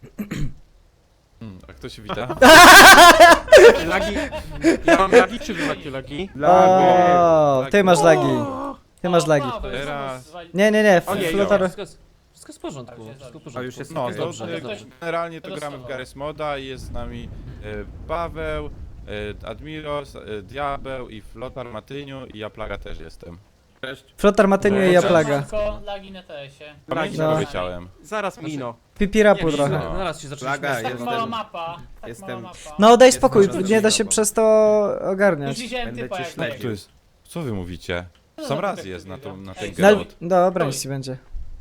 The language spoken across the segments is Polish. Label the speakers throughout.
Speaker 1: A kto się wita?
Speaker 2: Lagi. Ja mam lagi, czy wy macie lagi?
Speaker 3: O, ty masz lagi. Ty masz lagi.
Speaker 1: Teraz.
Speaker 3: Nie,
Speaker 2: Ojej,
Speaker 3: flotar...
Speaker 4: Wszystko jest w porządku, wszystko w porządku.
Speaker 2: A już jest
Speaker 1: No,
Speaker 2: okej.
Speaker 1: to
Speaker 4: dobrze.
Speaker 1: generalnie to
Speaker 5: Tego
Speaker 1: gramy w
Speaker 5: słowa.
Speaker 1: Garry's Moda i jest z nami Paweł, Admiros, Diabeł i Flotar Matyniu i ja Plaga też jestem.
Speaker 2: Cześć.
Speaker 3: Flotar Matyniu i ja plaga.
Speaker 5: Tylko lagi na TS-ie.
Speaker 1: Pamięci
Speaker 3: No.
Speaker 1: wyciąłem.
Speaker 2: Zaraz Mino.
Speaker 3: Pipirapu trochę.
Speaker 4: Zaraz się zaczęliśmy.
Speaker 2: Plaga,
Speaker 5: Tak
Speaker 2: jestem.
Speaker 5: mała mapa. Tak
Speaker 2: Jestem-
Speaker 5: mała mapa.
Speaker 3: No daj spokój,
Speaker 2: Jestem
Speaker 3: nie da się
Speaker 2: żartobliwą.
Speaker 3: przez to
Speaker 5: Już
Speaker 3: ogarniać.
Speaker 5: widziałem
Speaker 2: Będę
Speaker 5: typa
Speaker 2: cię
Speaker 5: jak
Speaker 2: śledził.
Speaker 1: To jest. Co wy mówicie? Sam raz jest na ten
Speaker 3: No,
Speaker 1: granat.
Speaker 3: dobra, nic ci będzie.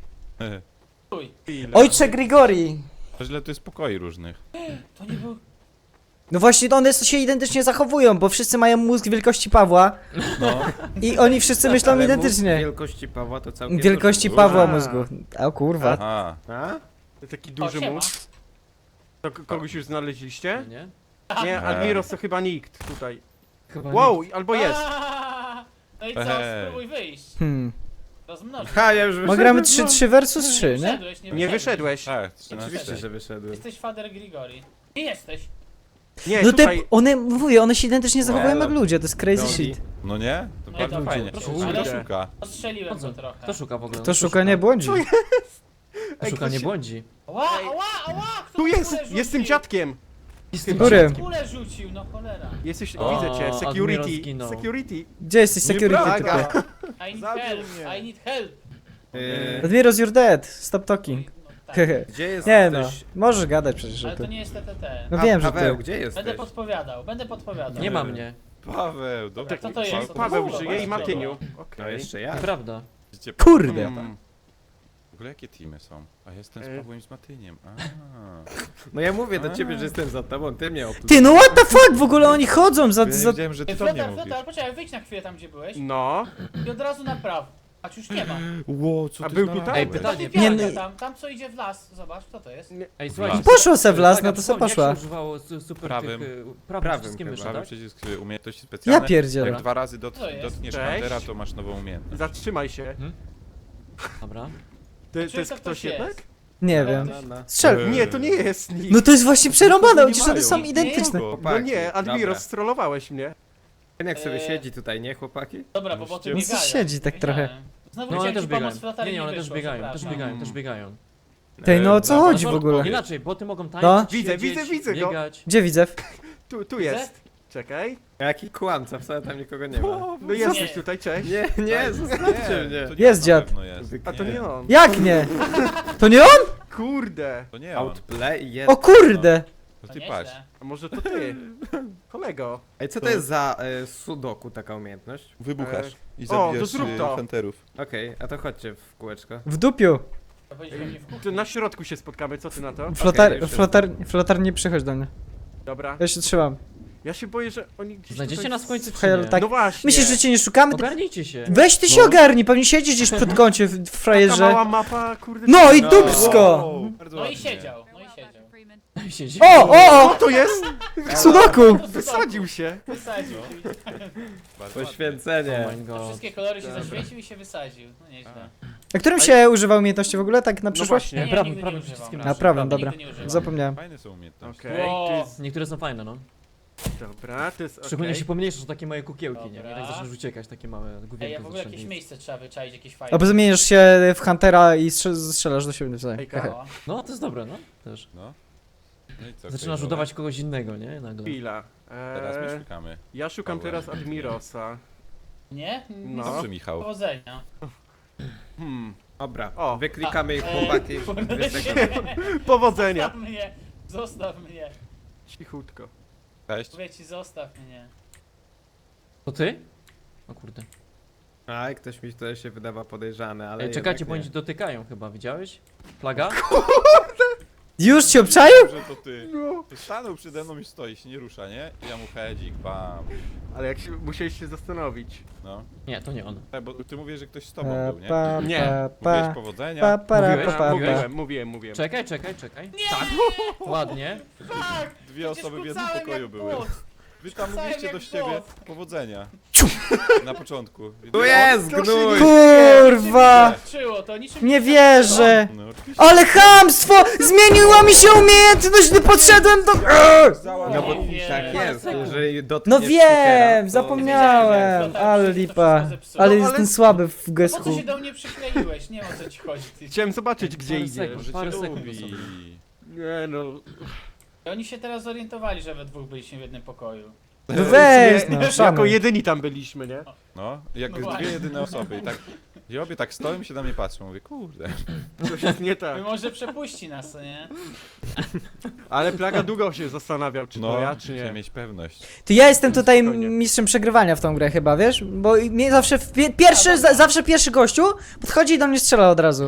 Speaker 5: Stój.
Speaker 3: Ojcze Grigori!
Speaker 1: To źle tu jest pokoi różnych.
Speaker 5: To nie był...
Speaker 3: No właśnie, one się identycznie zachowują, bo wszyscy mają mózg wielkości Pawła
Speaker 1: No.
Speaker 3: i oni wszyscy myślą
Speaker 2: Ale mózg
Speaker 3: identycznie.
Speaker 2: wielkości Pawła to całkiem
Speaker 3: Wielkości
Speaker 2: duży
Speaker 3: Pawła
Speaker 2: mózg.
Speaker 3: mózgu. O kurwa.
Speaker 1: Aha.
Speaker 2: A? To taki
Speaker 5: O,
Speaker 2: duży
Speaker 5: siema.
Speaker 2: mózg. To kogoś już znaleźliście?
Speaker 4: Nie?
Speaker 2: Nie, Admiros to chyba nikt tutaj.
Speaker 4: Chyba
Speaker 2: Wow, albo jest.
Speaker 5: Aaaa! No i co?
Speaker 1: Hej.
Speaker 5: Spróbuj wyjść.
Speaker 3: Ha,
Speaker 5: Rozmnożyć.
Speaker 2: Ha, ja już
Speaker 3: bo
Speaker 2: wyszedłem.
Speaker 3: gramy 3 versus 3, nie?
Speaker 5: Wyszedłeś,
Speaker 2: Nie wyszedłeś.
Speaker 1: Tak, 13.
Speaker 2: Oczywiście, że wyszedłem.
Speaker 5: Jesteś Fader Grigori. Nie jesteś.
Speaker 2: Nie,
Speaker 3: No te,
Speaker 2: tutaj...
Speaker 3: one, mówię, one się identycznie zachowują
Speaker 1: Nie,
Speaker 3: jak ludzie, to jest crazy
Speaker 2: Drogi.
Speaker 3: shit.
Speaker 1: No nie? To
Speaker 5: Nie,
Speaker 1: bardzo
Speaker 5: to
Speaker 1: fajnie.
Speaker 4: proszę,
Speaker 1: Ale
Speaker 2: kurde.
Speaker 1: szuka.
Speaker 5: Ostrzeliłem
Speaker 4: Po co?
Speaker 5: go trochę.
Speaker 4: Kto szuka w ogóle?
Speaker 3: Kto szuka nie błądzi.
Speaker 4: Kto szuka nie błądzi.
Speaker 5: Ała, ała, ała! Kto
Speaker 2: Tu jest!
Speaker 5: kulę rzucił?
Speaker 2: Jestem dziadkiem!
Speaker 4: Jestem
Speaker 3: Który?
Speaker 5: Kulę rzucił, no cholera.
Speaker 2: Jesteś,
Speaker 1: O,
Speaker 2: widzę cię,
Speaker 4: Admiral
Speaker 2: security.
Speaker 4: zginął.
Speaker 2: Security.
Speaker 3: Gdzie jesteś security
Speaker 1: Nieprawda.
Speaker 3: typie?
Speaker 5: I need
Speaker 2: Zabił
Speaker 5: help,
Speaker 2: mnie.
Speaker 5: I need help.
Speaker 3: Admiros, you're dead. Stop talking.
Speaker 5: No, tak.
Speaker 3: Hehe.
Speaker 2: Gdzie jest
Speaker 3: Nie no,
Speaker 2: ktoś?
Speaker 3: możesz gadać przecież o
Speaker 5: Ale to
Speaker 3: tym.
Speaker 5: nie jest TTT.
Speaker 3: No wiem, że
Speaker 2: Paweł,
Speaker 3: ty.
Speaker 2: gdzie
Speaker 5: Będę
Speaker 2: jesteś?
Speaker 5: podpowiadał, będę podpowiadał.
Speaker 4: Nie ma mnie.
Speaker 1: Paweł, dobra.
Speaker 5: Co to jest?
Speaker 2: Paweł
Speaker 5: Kurwa,
Speaker 2: żyje i
Speaker 5: kurwa.
Speaker 2: Matyniu.
Speaker 3: No
Speaker 2: Okej.
Speaker 6: jeszcze ja.
Speaker 4: Nieprawda.
Speaker 1: Widzicie,
Speaker 3: Kurde.
Speaker 1: W ogóle jakie teamy są? A jestem z Pawłem i z Matyniem.
Speaker 6: No ja mówię do ciebie, że jestem za tobą, ty mnie
Speaker 3: Ty, no what the fuck, w ogóle oni chodzą za...
Speaker 1: Ja nie
Speaker 3: za...
Speaker 1: wiedziałem, że ty to
Speaker 5: Flotar,
Speaker 1: nie
Speaker 5: flotar,
Speaker 1: mówisz.
Speaker 5: poczekaj, wyjdź na chwilę tam, gdzie byłeś
Speaker 2: No.
Speaker 5: i od razu na prawo. A już nie ma.
Speaker 1: Ło, co
Speaker 2: A
Speaker 1: ty
Speaker 2: był
Speaker 1: znalazłeś?
Speaker 2: tutaj?
Speaker 4: Ej, pytanie.
Speaker 5: Ty pianka
Speaker 3: Nie,
Speaker 5: tam co idzie w las, zobacz, co to jest?
Speaker 4: Ej, słuchajcie.
Speaker 3: Poszło se w las,
Speaker 4: Plaga,
Speaker 3: no to se
Speaker 4: przypomnij,
Speaker 3: poszła.
Speaker 4: Jak się używało super
Speaker 1: Prawym.
Speaker 4: tych...
Speaker 6: Prawym
Speaker 4: wszystkim
Speaker 6: chyba.
Speaker 4: myszy,
Speaker 1: Prawy
Speaker 4: tak?
Speaker 1: przycisk umiejętności specjalne.
Speaker 3: Ja pierdzielę.
Speaker 1: Jak 2 razy
Speaker 5: Co jest?
Speaker 1: dotkniesz
Speaker 2: Cześć.
Speaker 1: Huntera, to masz nową umiejętność.
Speaker 2: Zatrzymaj się.
Speaker 4: Dobra.
Speaker 2: To
Speaker 5: Czy
Speaker 2: jest
Speaker 5: to
Speaker 2: ktoś
Speaker 5: ktoś
Speaker 2: jednak?
Speaker 5: jest?
Speaker 3: Nie wiem.
Speaker 6: No.
Speaker 3: Strzel.
Speaker 2: Nie, to nie jest nikt.
Speaker 3: No to jest właśnie przerąbane,
Speaker 2: Nie
Speaker 3: przecież one
Speaker 2: mają.
Speaker 3: są
Speaker 5: Nie,
Speaker 3: identyczne.
Speaker 1: Kogo?
Speaker 2: No nie, Admiros,
Speaker 6: Dobra.
Speaker 2: strollowałeś mnie.
Speaker 6: Ten jak sobie
Speaker 5: Eee.
Speaker 6: siedzi tutaj, nie chłopaki?
Speaker 5: Dobra, bo potem
Speaker 3: No
Speaker 5: biegają.
Speaker 3: co siedzi tak
Speaker 5: Wiedziałem.
Speaker 3: trochę?
Speaker 5: Znowu
Speaker 4: No one
Speaker 5: chciałem
Speaker 4: też
Speaker 5: ci
Speaker 4: biegają.
Speaker 5: pomóc, flotar
Speaker 4: Nie, nie, one też
Speaker 5: wyszło,
Speaker 4: biegają, też
Speaker 5: przepraszam.
Speaker 4: biegają, też biegają.
Speaker 3: Tej, no o co
Speaker 1: Dobra,
Speaker 3: chodzi w ogóle?
Speaker 4: Inaczej, boty mogą tańczyć,
Speaker 3: No.
Speaker 2: Widzę,
Speaker 4: siedzieć,
Speaker 2: widzę go.
Speaker 4: biegać.
Speaker 3: Gdzie widzę?
Speaker 2: Tu jest. Czekaj.
Speaker 6: Jaki kłamca, wcale tam nikogo nie ma.
Speaker 2: No jesteś
Speaker 5: Nie.
Speaker 2: tutaj, cześć.
Speaker 6: Nie, zostawcie mnie.
Speaker 1: to nie
Speaker 3: Jest
Speaker 1: on
Speaker 3: dziad.
Speaker 1: na pewno jest.
Speaker 2: A to nie on.
Speaker 3: Jak nie? To nie on?
Speaker 2: Kurde.
Speaker 1: To nie on.
Speaker 6: Outplay i
Speaker 3: O kurde!
Speaker 1: To
Speaker 5: To
Speaker 1: ty
Speaker 5: nieźle.
Speaker 1: patrz.
Speaker 2: A może to ty? Kolego.
Speaker 6: Ej, co to jest za sudoku taka umiejętność?
Speaker 1: Wybuchasz i
Speaker 2: to
Speaker 1: zabijesz
Speaker 2: zrób to.
Speaker 1: Hunterów.
Speaker 6: Okej, a to chodźcie w kółeczko.
Speaker 3: W dupiu.
Speaker 5: To powiedzieliśmy mnie w kuchni.
Speaker 2: Tu na środku się spotkamy, co ty na to?
Speaker 3: Flotar, nie przychodź do mnie.
Speaker 2: Dobra.
Speaker 3: Ja się trzymam.
Speaker 2: Ja się boję, że oni gdzieś
Speaker 4: Znajdziecie
Speaker 2: tutaj...
Speaker 4: nas w końcu czy
Speaker 3: Hej, ale
Speaker 4: nie?
Speaker 3: tak-
Speaker 2: No właśnie.
Speaker 3: Myślisz, że cię nie szukamy?
Speaker 4: Ogarnijcie się.
Speaker 3: Weź ty się ogarnij, pewnie siedzisz gdzieś przed kącie w
Speaker 2: Taka
Speaker 3: frajerze.
Speaker 2: mała mapa, kurde.
Speaker 3: No i
Speaker 6: No.
Speaker 3: dupsko!
Speaker 1: Wow, bardzo
Speaker 5: No i
Speaker 1: ładnie.
Speaker 5: siedział, no i siedział.
Speaker 4: Siedzi.
Speaker 3: O!
Speaker 2: To jest!
Speaker 3: Sudoku!
Speaker 2: Wysadził się.
Speaker 5: Wysadził się.
Speaker 1: Bardzo ładnie.
Speaker 6: Poświęcenie.
Speaker 4: Oh my
Speaker 5: To
Speaker 4: god.
Speaker 5: wszystkie kolory się zaświecił i się wysadził. No nieźle.
Speaker 3: A którym się używa umiejętności w ogóle, tak na przyszłość?
Speaker 2: właśnie.
Speaker 5: Nie,
Speaker 4: Prawym,
Speaker 5: nigdy
Speaker 4: prawym
Speaker 5: nie używam.
Speaker 4: przyciskiem
Speaker 3: A prawym,
Speaker 5: Nigdy
Speaker 3: dobra.
Speaker 5: nie używam.
Speaker 3: Zapomniałem.
Speaker 1: Fajne są umiejętności.
Speaker 2: Okej,
Speaker 5: Wow.
Speaker 2: to jest...
Speaker 4: Niektóre są fajne, no.
Speaker 2: Dobra, to jest
Speaker 4: Szczególnie
Speaker 2: okej.
Speaker 4: się pomniejsze, że takie małe kukiełki, nie? I
Speaker 5: Dobra.
Speaker 4: tak zaczynasz uciekać, takie małe
Speaker 5: Ej,
Speaker 4: główienko
Speaker 5: a w ogóle jakieś miejsce trzeba wyczaić, jakieś fajne.
Speaker 3: Albo zamieniasz się w Huntera i strzelasz do siebie nawzajem.
Speaker 2: Ejka.
Speaker 5: No.
Speaker 4: No, to jest dobre, no. Też.
Speaker 1: No. No i co,
Speaker 4: Zaczynasz
Speaker 1: okej,
Speaker 4: udawać kogoś innego, nie? Nagle.
Speaker 2: Chwila.
Speaker 1: Teraz my szukamy.
Speaker 2: Ja szukam
Speaker 1: Paweł.
Speaker 2: teraz Admirosa.
Speaker 5: Nie?
Speaker 2: No.
Speaker 1: Dobrze, Michał.
Speaker 5: Powodzenia.
Speaker 6: Dobra,
Speaker 2: O.
Speaker 6: wyklikamy ich
Speaker 5: A,
Speaker 6: chłopaki.
Speaker 2: Powodzenia.
Speaker 5: Zostaw mnie! Zostaw mnie!
Speaker 2: Cichutko.
Speaker 1: Cześć.
Speaker 5: Mówię ci, zostaw mnie.
Speaker 4: To ty? O kurde.
Speaker 6: Aj, ktoś mi tutaj się wydawa podejrzany, ale
Speaker 4: Ej, czekajcie,
Speaker 6: jednak
Speaker 4: bo
Speaker 6: nie.
Speaker 4: oni dotykają chyba, widziałeś? Plaga?
Speaker 3: Już cię obczaił?
Speaker 1: Że to ty.
Speaker 2: No.
Speaker 1: To stanął przede mną i stoi, się nie rusza, nie? I ja mu hedzik, bam.
Speaker 2: Ale jak się, musiałeś się zastanowić.
Speaker 1: No.
Speaker 4: Nie, to nie on.
Speaker 1: Tak, bo ty mówisz, że ktoś z tobą był, nie?
Speaker 2: Nie.
Speaker 1: Mówiłeś
Speaker 3: Pa,
Speaker 1: powodzenia.
Speaker 4: Mówiłeś?
Speaker 3: pa.
Speaker 2: Mówiłem.
Speaker 4: Czekaj. Tak. Ładnie.
Speaker 5: Tak!
Speaker 1: Dwie osoby w jednym pokoju były. Wy tam
Speaker 5: Cały
Speaker 1: mówiliście
Speaker 5: jak
Speaker 1: do siebie
Speaker 5: bot.
Speaker 1: powodzenia. Na początku.
Speaker 6: Tu jest, gnój!
Speaker 3: Kurwa!
Speaker 5: Czyło, to niczym
Speaker 3: Nie wierzę!
Speaker 1: No, oczywiście.
Speaker 3: Ale chamstwo! Zmieniła mi się umiejętność, gdy podszedłem do...
Speaker 6: No bo
Speaker 5: Nie
Speaker 6: tak
Speaker 5: wiem.
Speaker 6: jest, jeżeli dotkniesz
Speaker 3: No
Speaker 6: stickera,
Speaker 3: wiem,
Speaker 6: to-
Speaker 3: zapomniałem, ale lipa. Ale jestem słaby w
Speaker 5: Po co
Speaker 3: gesku.
Speaker 5: się do mnie przykleiłeś? Nie wiem o co ci chodzi. Ty.
Speaker 6: Chciałem zobaczyć, gdzie
Speaker 4: Parę
Speaker 6: idziesz.
Speaker 4: sekund. Parę sekund
Speaker 1: Lubi.
Speaker 4: sobie.
Speaker 6: Nie no.
Speaker 5: Oni się teraz zorientowali, że we dwóch byliśmy w jednym pokoju.
Speaker 3: No weź no,
Speaker 6: Jako
Speaker 3: szanuj.
Speaker 6: jedyni tam byliśmy, nie?
Speaker 1: No, jak
Speaker 5: No
Speaker 1: dwie
Speaker 5: właśnie.
Speaker 1: jedyne osoby i tak... I obie tak stoją i się na mnie patrzą. Mówię, kurde.
Speaker 6: Coś jest nie tak.
Speaker 5: My może przepuści nas, co nie?
Speaker 6: Ale Plaga długo się zastanawiał, czy to
Speaker 1: No,
Speaker 6: ja, czy
Speaker 1: chcę
Speaker 6: nie.
Speaker 1: mieć pewność.
Speaker 3: To ja jestem tutaj
Speaker 6: Spokojnie.
Speaker 3: mistrzem przegrywania w tą grę chyba, wiesz? Bo mnie zawsze zawsze pierwszy gościu podchodzi i do mnie strzela od razu.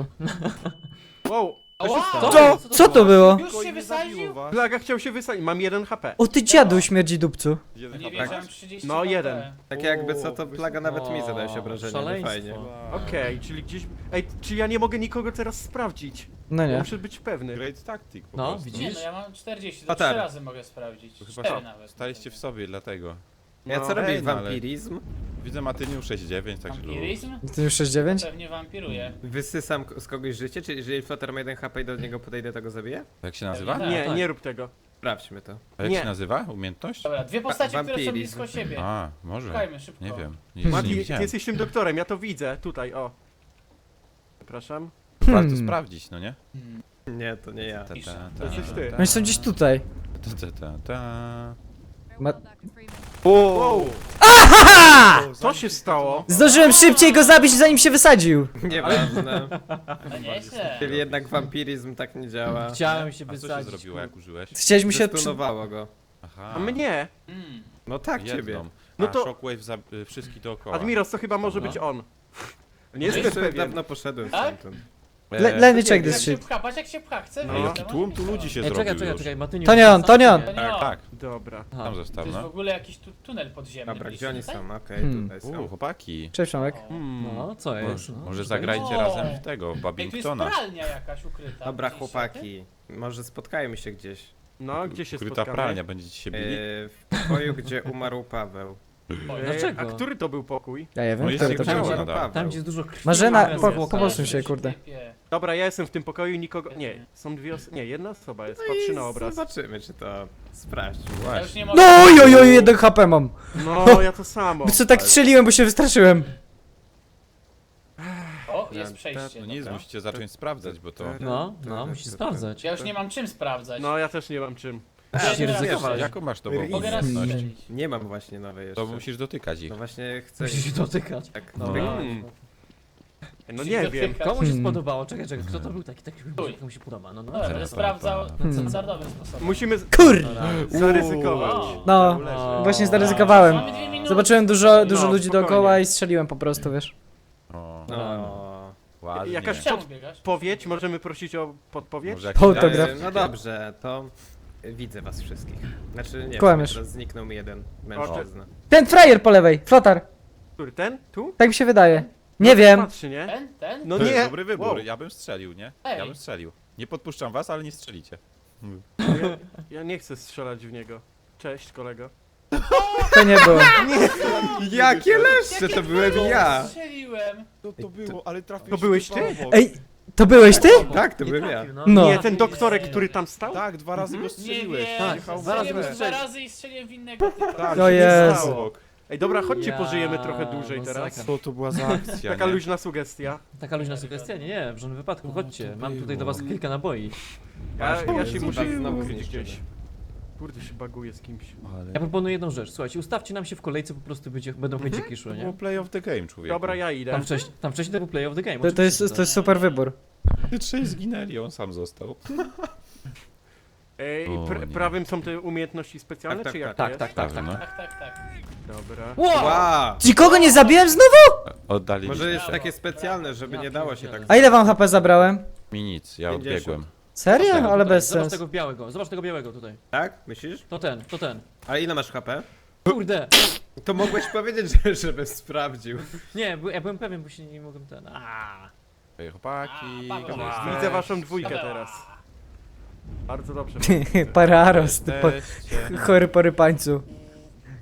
Speaker 6: Wow! Co się
Speaker 5: Wow!
Speaker 6: stało?
Speaker 3: Co to było?
Speaker 5: Już się wysadził?
Speaker 6: Plaga chciał się wysadzić, mam 1 HP.
Speaker 3: O ty dziadu śmierdzi dupcu.
Speaker 5: No nie wiedziałem, 30
Speaker 6: No,
Speaker 5: HP.
Speaker 6: jeden.
Speaker 7: Tak jakby co, to Plaga nawet mi zadaje się obrażenia, nie
Speaker 4: szaleństwo.
Speaker 7: fajnie.
Speaker 6: Okej, czyli gdzieś... Ej, czy ja nie mogę nikogo teraz sprawdzić?
Speaker 3: No
Speaker 6: Ja
Speaker 3: nie.
Speaker 6: muszę być pewny.
Speaker 1: Great tactic po
Speaker 4: No,
Speaker 1: prostu.
Speaker 4: widzisz?
Speaker 5: Nie no, ja mam 40,
Speaker 7: A
Speaker 5: to 3
Speaker 7: tak.
Speaker 5: razy mogę sprawdzić.
Speaker 1: To
Speaker 5: 4 nawet.
Speaker 1: Staliście w sobie, dlatego.
Speaker 7: Ja
Speaker 6: No.
Speaker 7: co robię?
Speaker 1: Ej, no ale-
Speaker 7: Wampirizm?
Speaker 1: Widzę Matyniu 6-9, także luz.
Speaker 5: Vampiryzm?
Speaker 3: Ty już 6-9?
Speaker 5: Pewnie wampiruje.
Speaker 7: Wysysam z kogoś życie, czy jeżeli Flotter ma 1 HP i do niego podejdę, to go zabiję?
Speaker 1: Jak się nazywa?
Speaker 5: Tak.
Speaker 6: Nie,
Speaker 4: tak.
Speaker 6: nie rób tego.
Speaker 7: Sprawdźmy to.
Speaker 1: A jak
Speaker 6: Nie.
Speaker 1: się nazywa? Umiejętność?
Speaker 5: Dobra, dwie postacie, które są
Speaker 7: Vampiryzm.
Speaker 5: blisko siebie.
Speaker 1: A, może.
Speaker 5: Szukajmy szybko.
Speaker 1: Nie wiem. Nie
Speaker 6: Mati, ty
Speaker 1: widziałem.
Speaker 6: jesteś tym doktorem, ja to widzę. Tutaj, o. Przepraszam.
Speaker 1: Warto sprawdzić, no nie?
Speaker 7: Nie, to nie ja.
Speaker 1: Ta,
Speaker 5: Pisze.
Speaker 6: To jesteś ty.
Speaker 3: Oni są gdzieś tutaj.
Speaker 1: Ta.
Speaker 3: Ma...
Speaker 6: Wow!
Speaker 3: Aha!
Speaker 6: Co się stało?
Speaker 3: Zdążyłem szybciej go zabić, zanim się wysadził.
Speaker 7: Nieważne.
Speaker 5: No nieźle.
Speaker 7: Czyli jednak wampirizm tak nie działa.
Speaker 4: Chciałem się
Speaker 1: A co się
Speaker 4: wysadzić.
Speaker 1: zrobiło, jak użyłeś?
Speaker 3: Chciałeś mu się...
Speaker 7: Zestunowało go.
Speaker 1: Aha.
Speaker 6: A mnie?
Speaker 5: Mm.
Speaker 7: No tak,
Speaker 1: jedną.
Speaker 7: ciebie.
Speaker 6: No
Speaker 1: A,
Speaker 6: to-
Speaker 1: Shockwave za wszystkich dookoła.
Speaker 6: Admiros, to chyba może
Speaker 4: No.
Speaker 6: być on. Nie
Speaker 7: Jeszcze
Speaker 6: jestem pewien.
Speaker 7: dawno poszedłem
Speaker 5: Tak?
Speaker 7: stamtąd.
Speaker 3: Let me check
Speaker 5: Jak
Speaker 3: this
Speaker 5: się
Speaker 3: shit.
Speaker 5: pcha, patrz jak się pcha, chcę
Speaker 6: No.
Speaker 5: wyjść.
Speaker 1: Jaki tłum tu ludzi się
Speaker 4: Ej,
Speaker 1: zrobił
Speaker 4: czekaj,
Speaker 1: już.
Speaker 4: Matyniu.
Speaker 3: To nie on, to nie on.
Speaker 5: To nie
Speaker 1: Tak,
Speaker 5: on.
Speaker 1: tak.
Speaker 6: Dobra.
Speaker 4: Aha.
Speaker 1: Tam
Speaker 5: To
Speaker 1: został,
Speaker 5: jest w
Speaker 1: no.
Speaker 5: ogóle jakiś tunel podziemny.
Speaker 7: Dobra,
Speaker 5: Byliście
Speaker 7: gdzie oni
Speaker 5: tutaj?
Speaker 7: są? Okej,
Speaker 3: Hmm.
Speaker 7: tutaj są.
Speaker 1: Chłopaki.
Speaker 3: Cześć Przemek.
Speaker 4: No, co jest?
Speaker 1: Może,
Speaker 4: No,
Speaker 1: może
Speaker 4: tutaj-
Speaker 1: zagrajcie
Speaker 5: O!
Speaker 1: razem w tego, w
Speaker 5: Ej, tu jest
Speaker 1: Babingtona.
Speaker 5: pralnia jakaś ukryta.
Speaker 7: Dobra,
Speaker 5: Widzieliście
Speaker 7: chłopaki. Może spotkajmy się gdzieś.
Speaker 6: No, gdzie się
Speaker 1: Ukryta
Speaker 6: spotkamy?
Speaker 1: pralnia, będziecie się bili?
Speaker 7: W pokoju, gdzie umarł Paweł.
Speaker 4: Dlaczego?
Speaker 6: A który to był pokój?
Speaker 3: Ja nie wiem,
Speaker 1: No jest
Speaker 3: który
Speaker 1: jego
Speaker 3: to
Speaker 1: ciało
Speaker 3: będzie.
Speaker 7: Umarł
Speaker 1: nadal.
Speaker 7: Paweł.
Speaker 4: Tam gdzie jest dużo krwi.
Speaker 3: Marzena,
Speaker 4: jest
Speaker 3: po-
Speaker 4: zwłoka.
Speaker 3: pobosuj się, kurde.
Speaker 6: Dobra, ja jestem w tym pokoju i nikogo... Nie, są dwie osoby... Nie, jedna osoba jest, patrzy na obraz.
Speaker 7: Zobaczymy, czy to sprawdzi.
Speaker 5: Ja już
Speaker 1: Właśnie.
Speaker 5: nie mogę.
Speaker 3: No oj, 1 HP mam.
Speaker 6: No, ja to samo.
Speaker 3: Bo co tak strzeliłem, bo się wystraszyłem.
Speaker 5: O, jest przejście.
Speaker 1: No nic,
Speaker 5: dobra.
Speaker 1: musicie zacząć sprawdzać, bo to...
Speaker 4: No, musisz sprawdzać.
Speaker 5: Ja już nie mam czym sprawdzać.
Speaker 6: No, ja też nie mam czym.
Speaker 4: Musisz
Speaker 5: teraz
Speaker 4: ryzykować.
Speaker 1: Jaką masz nową
Speaker 5: Mogę raz
Speaker 1: umiejętność?
Speaker 5: strzelić.
Speaker 7: Nie mam właśnie nowej jeszcze.
Speaker 1: To musisz dotykać ich.
Speaker 7: No właśnie chcę...
Speaker 4: Musisz się dotykać.
Speaker 7: Tak,
Speaker 1: No.
Speaker 7: no.
Speaker 6: No nie wiem.
Speaker 4: Komu się
Speaker 3: Hmm.
Speaker 4: spodobało? Czekaj, kto to był taki
Speaker 5: Uj.
Speaker 4: komu się podoba? No,
Speaker 5: Dobra, będę
Speaker 1: Zaraz,
Speaker 5: sprawdzał
Speaker 1: pa,
Speaker 5: standardowy sposób.
Speaker 6: Musimy
Speaker 3: Kur...
Speaker 6: zaryzykować.
Speaker 5: O,
Speaker 3: No,
Speaker 4: O.
Speaker 3: właśnie zaryzykowałem.
Speaker 5: mamy 2 minuty.
Speaker 3: Zobaczyłem dużo
Speaker 6: No,
Speaker 3: ludzi
Speaker 6: spokojnie.
Speaker 3: dookoła i strzeliłem po prostu, wiesz.
Speaker 1: O,
Speaker 7: No.
Speaker 1: ładnie.
Speaker 6: Jakaś
Speaker 5: Czemu biegasz?
Speaker 6: Podpowiedź? Możemy prosić o podpowiedź?
Speaker 1: Może jakiś
Speaker 3: Autograf.
Speaker 1: dialog?
Speaker 7: No dobrze, to widzę was wszystkich. Znaczy nie,
Speaker 3: Kłamiesz.
Speaker 7: teraz zniknął mi jeden mężczyzna.
Speaker 3: Ten frajer po lewej, flotar.
Speaker 6: Który, ten? Tu?
Speaker 3: Tak mi się wydaje. Nie wiem.
Speaker 6: Patrzy, nie?
Speaker 5: Ten?
Speaker 6: No
Speaker 1: To jest
Speaker 6: nie!
Speaker 1: dobry wybór,
Speaker 6: Wow.
Speaker 1: ja bym strzelił, nie?
Speaker 5: Ej.
Speaker 1: Ja bym strzelił. Nie podpuszczam was, ale nie strzelicie.
Speaker 6: Ja nie chcę strzelać w niego. Cześć, kolego.
Speaker 3: To nie było.
Speaker 7: Jakie leszcze, to byłem ja!
Speaker 5: Strzeliłem.
Speaker 1: To było, ale trafiłeś
Speaker 6: To byłeś ty?
Speaker 3: Ej, to byłeś ty?
Speaker 7: Tak, to byłem ja.
Speaker 3: No.
Speaker 6: Nie, ten doktorek, który tam stał?
Speaker 1: Tak, 2 razy go
Speaker 5: Nie
Speaker 1: strzeliłeś.
Speaker 5: wiem.
Speaker 4: Tak,
Speaker 1: Jechał
Speaker 4: dwa razy
Speaker 1: w
Speaker 5: Strzeliłem
Speaker 1: lewo.
Speaker 5: 2 razy i strzeliłem w innego typa.
Speaker 1: Tak,
Speaker 3: O
Speaker 1: się nie
Speaker 3: Jezu.
Speaker 1: stało.
Speaker 6: Ej, dobra, chodźcie,
Speaker 4: Ja,
Speaker 6: pożyjemy trochę dłużej teraz.
Speaker 4: masakra.
Speaker 1: Co to była za akcja,
Speaker 6: Taka
Speaker 1: nie?
Speaker 6: luźna sugestia.
Speaker 4: Taka luźna sugestia? Nie, w żadnym wypadku, chodźcie. Mam tutaj do was kilka naboi.
Speaker 6: Ja się
Speaker 7: Jezu,
Speaker 6: muszę
Speaker 7: tak znowu
Speaker 6: ukryć
Speaker 7: zniszczymy.
Speaker 6: gdzieś. Kurde, się baguję z kimś.
Speaker 4: Ja proponuję jedną rzecz, słuchajcie, ustawcie nam się w kolejce, po prostu będą chęciki szły,
Speaker 1: To było
Speaker 4: nie?
Speaker 1: play of the game, człowieku.
Speaker 6: Dobra, ja idę.
Speaker 4: Tam wcześniej to był play of the game.
Speaker 3: To
Speaker 4: oczywiście,
Speaker 3: jest super wybór.
Speaker 1: Ty 3 zginęli, on sam został.
Speaker 6: Ej,
Speaker 1: O, nie.
Speaker 6: prawym są te umiejętności specjalne,
Speaker 7: Tak,
Speaker 6: czy jak
Speaker 4: Tak,
Speaker 6: to
Speaker 4: tak,
Speaker 6: jest?
Speaker 4: tak, tak.
Speaker 1: No.
Speaker 5: Tak.
Speaker 6: Dobra.
Speaker 7: Wow!
Speaker 3: Nikogo nie zabiłem znowu?
Speaker 1: Oddali
Speaker 7: Może jest takie specjalne, żeby nie dało się tak...
Speaker 3: A ile wam HP zabrałem?
Speaker 1: mi nic, ja
Speaker 7: 50.
Speaker 1: odbiegłem.
Speaker 3: Serio? Ale
Speaker 4: Tutaj,
Speaker 3: bez
Speaker 4: zobacz
Speaker 3: sensu.
Speaker 4: tego białego, zobacz tego białego tutaj.
Speaker 7: Tak? Myślisz?
Speaker 4: To ten.
Speaker 7: Ale ile masz HP?
Speaker 4: Kurde!
Speaker 7: To mogłeś powiedzieć, żebym sprawdził.
Speaker 4: Nie, ja byłem pewien, bo się nie mogłem ten. Aaaa.
Speaker 1: Ej, chłopaki,
Speaker 5: A,
Speaker 1: gdzie
Speaker 5: Paweł.
Speaker 1: jesteście?
Speaker 6: Widzę waszą dwójkę teraz. Bardzo dobrze.
Speaker 3: Pararos, ty po...
Speaker 1: Jesteście.
Speaker 3: chory porypańcu.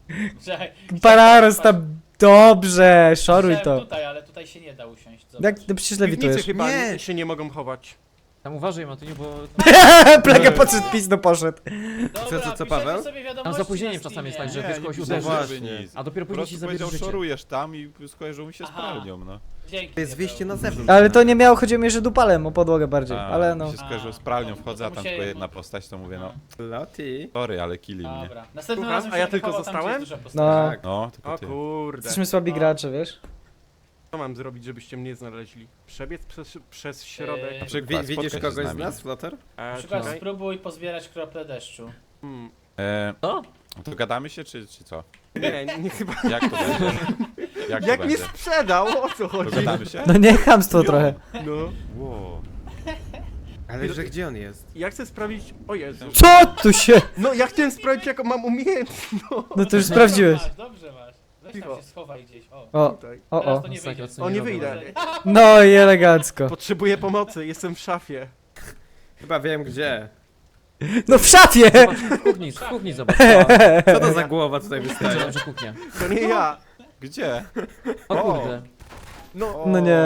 Speaker 5: Czekaj,
Speaker 3: Pararos tam, dobrze, szoruj
Speaker 5: chciałem
Speaker 3: to.
Speaker 5: tutaj, ale tutaj się nie da usiąść. Zobacz.
Speaker 3: Jak, no przecież
Speaker 6: Piwnicy
Speaker 3: lewitujesz.
Speaker 6: chyba
Speaker 7: Nie.
Speaker 6: się nie mogą chować.
Speaker 4: Tam uważaj, Matyniu, bo
Speaker 3: Plaga podszedł, pizdo poszedł.
Speaker 5: Dobra,
Speaker 7: co,
Speaker 5: piszecie
Speaker 7: Paweł?
Speaker 5: sobie wiadomości
Speaker 4: Tam z opóźnieniem
Speaker 5: na
Speaker 4: czasami jest
Speaker 5: Steamie.
Speaker 4: tak, że ktoś kogoś
Speaker 1: nie
Speaker 4: uderzy,
Speaker 1: pisałem
Speaker 7: Właśnie.
Speaker 1: nic.
Speaker 4: a dopiero
Speaker 1: Po
Speaker 4: później ci
Speaker 1: prostu
Speaker 4: zabierze
Speaker 1: powiedział,
Speaker 4: życie.
Speaker 1: szorujesz tam i skojarzył mi się z
Speaker 5: Aha.
Speaker 1: pralnią, no.
Speaker 5: Dzięki.
Speaker 7: To jest wyjście na
Speaker 5: Paweł.
Speaker 7: zewnątrz.
Speaker 3: Ale to nie miało, chodziło mi, że dupalem o podłogę bardziej,
Speaker 1: A,
Speaker 3: ale
Speaker 1: mi
Speaker 3: no.
Speaker 1: się skojarzyło z pralnią, wchodzę, a tam tylko jedna postać, to mówię, no,
Speaker 7: Loti.
Speaker 1: sorry, ale killi mnie.
Speaker 5: Dobra. Następnym
Speaker 6: Słucham,
Speaker 5: razem
Speaker 6: a ja
Speaker 5: się
Speaker 6: tylko
Speaker 5: wychował tam, gdzie
Speaker 6: zostałem?
Speaker 5: jest duża postać.
Speaker 3: No,
Speaker 7: Tak.
Speaker 1: No, tylko
Speaker 6: O
Speaker 1: ty.
Speaker 6: kurde.
Speaker 3: jesteśmy słabi gracze, wiesz?
Speaker 6: Co mam zrobić, żebyście mnie znaleźli? Przebiec przez środek?
Speaker 1: Na przykład,
Speaker 7: Widzisz
Speaker 1: spotkaj się
Speaker 7: kogoś z
Speaker 1: nami.
Speaker 7: nas, Flotar?
Speaker 6: A,
Speaker 5: Na przykład
Speaker 6: czekaj.
Speaker 5: spróbuj pozbierać krople deszczu.
Speaker 6: Hmm.
Speaker 4: Co?
Speaker 1: To gadamy się, czy co?
Speaker 6: Nie, chyba.
Speaker 1: Jak to będzie? Jak to
Speaker 6: Jak mnie
Speaker 1: będzie?
Speaker 6: sprzedał, o co
Speaker 1: To
Speaker 6: chodzi?
Speaker 1: gadamy się?
Speaker 3: No nie, chamstwo trochę.
Speaker 6: No.
Speaker 1: Wow.
Speaker 7: Ale że gdzie on jest?
Speaker 6: Ja chcę sprawdzić. O Jezu.
Speaker 3: Co tu się?
Speaker 6: No ja chciałem sprawdzić, jaką mam umiejętność.
Speaker 3: No to już sprawdziłeś.
Speaker 5: Dobrze masz. Weź
Speaker 6: Cicho.
Speaker 5: tam się schowaj gdzieś. O.
Speaker 3: O,
Speaker 6: Tutaj.
Speaker 3: o,
Speaker 5: Teraz
Speaker 3: o.
Speaker 5: to nie
Speaker 4: Masakra,
Speaker 5: wyjdzie.
Speaker 4: co
Speaker 6: O, nie
Speaker 4: robią.
Speaker 6: wyjdę.
Speaker 3: No i elegancko.
Speaker 6: Potrzebuję pomocy, jestem w szafie.
Speaker 7: Chyba wiem gdzie.
Speaker 3: No w szafie!
Speaker 4: Zobacz, w kuchni zobacz.
Speaker 7: Co to za głowa tutaj
Speaker 4: Będzie
Speaker 7: wystaje?
Speaker 4: dobrze kuchnia.
Speaker 6: To nie ja.
Speaker 1: Gdzie?
Speaker 4: O kurde.
Speaker 6: No.
Speaker 3: No nie.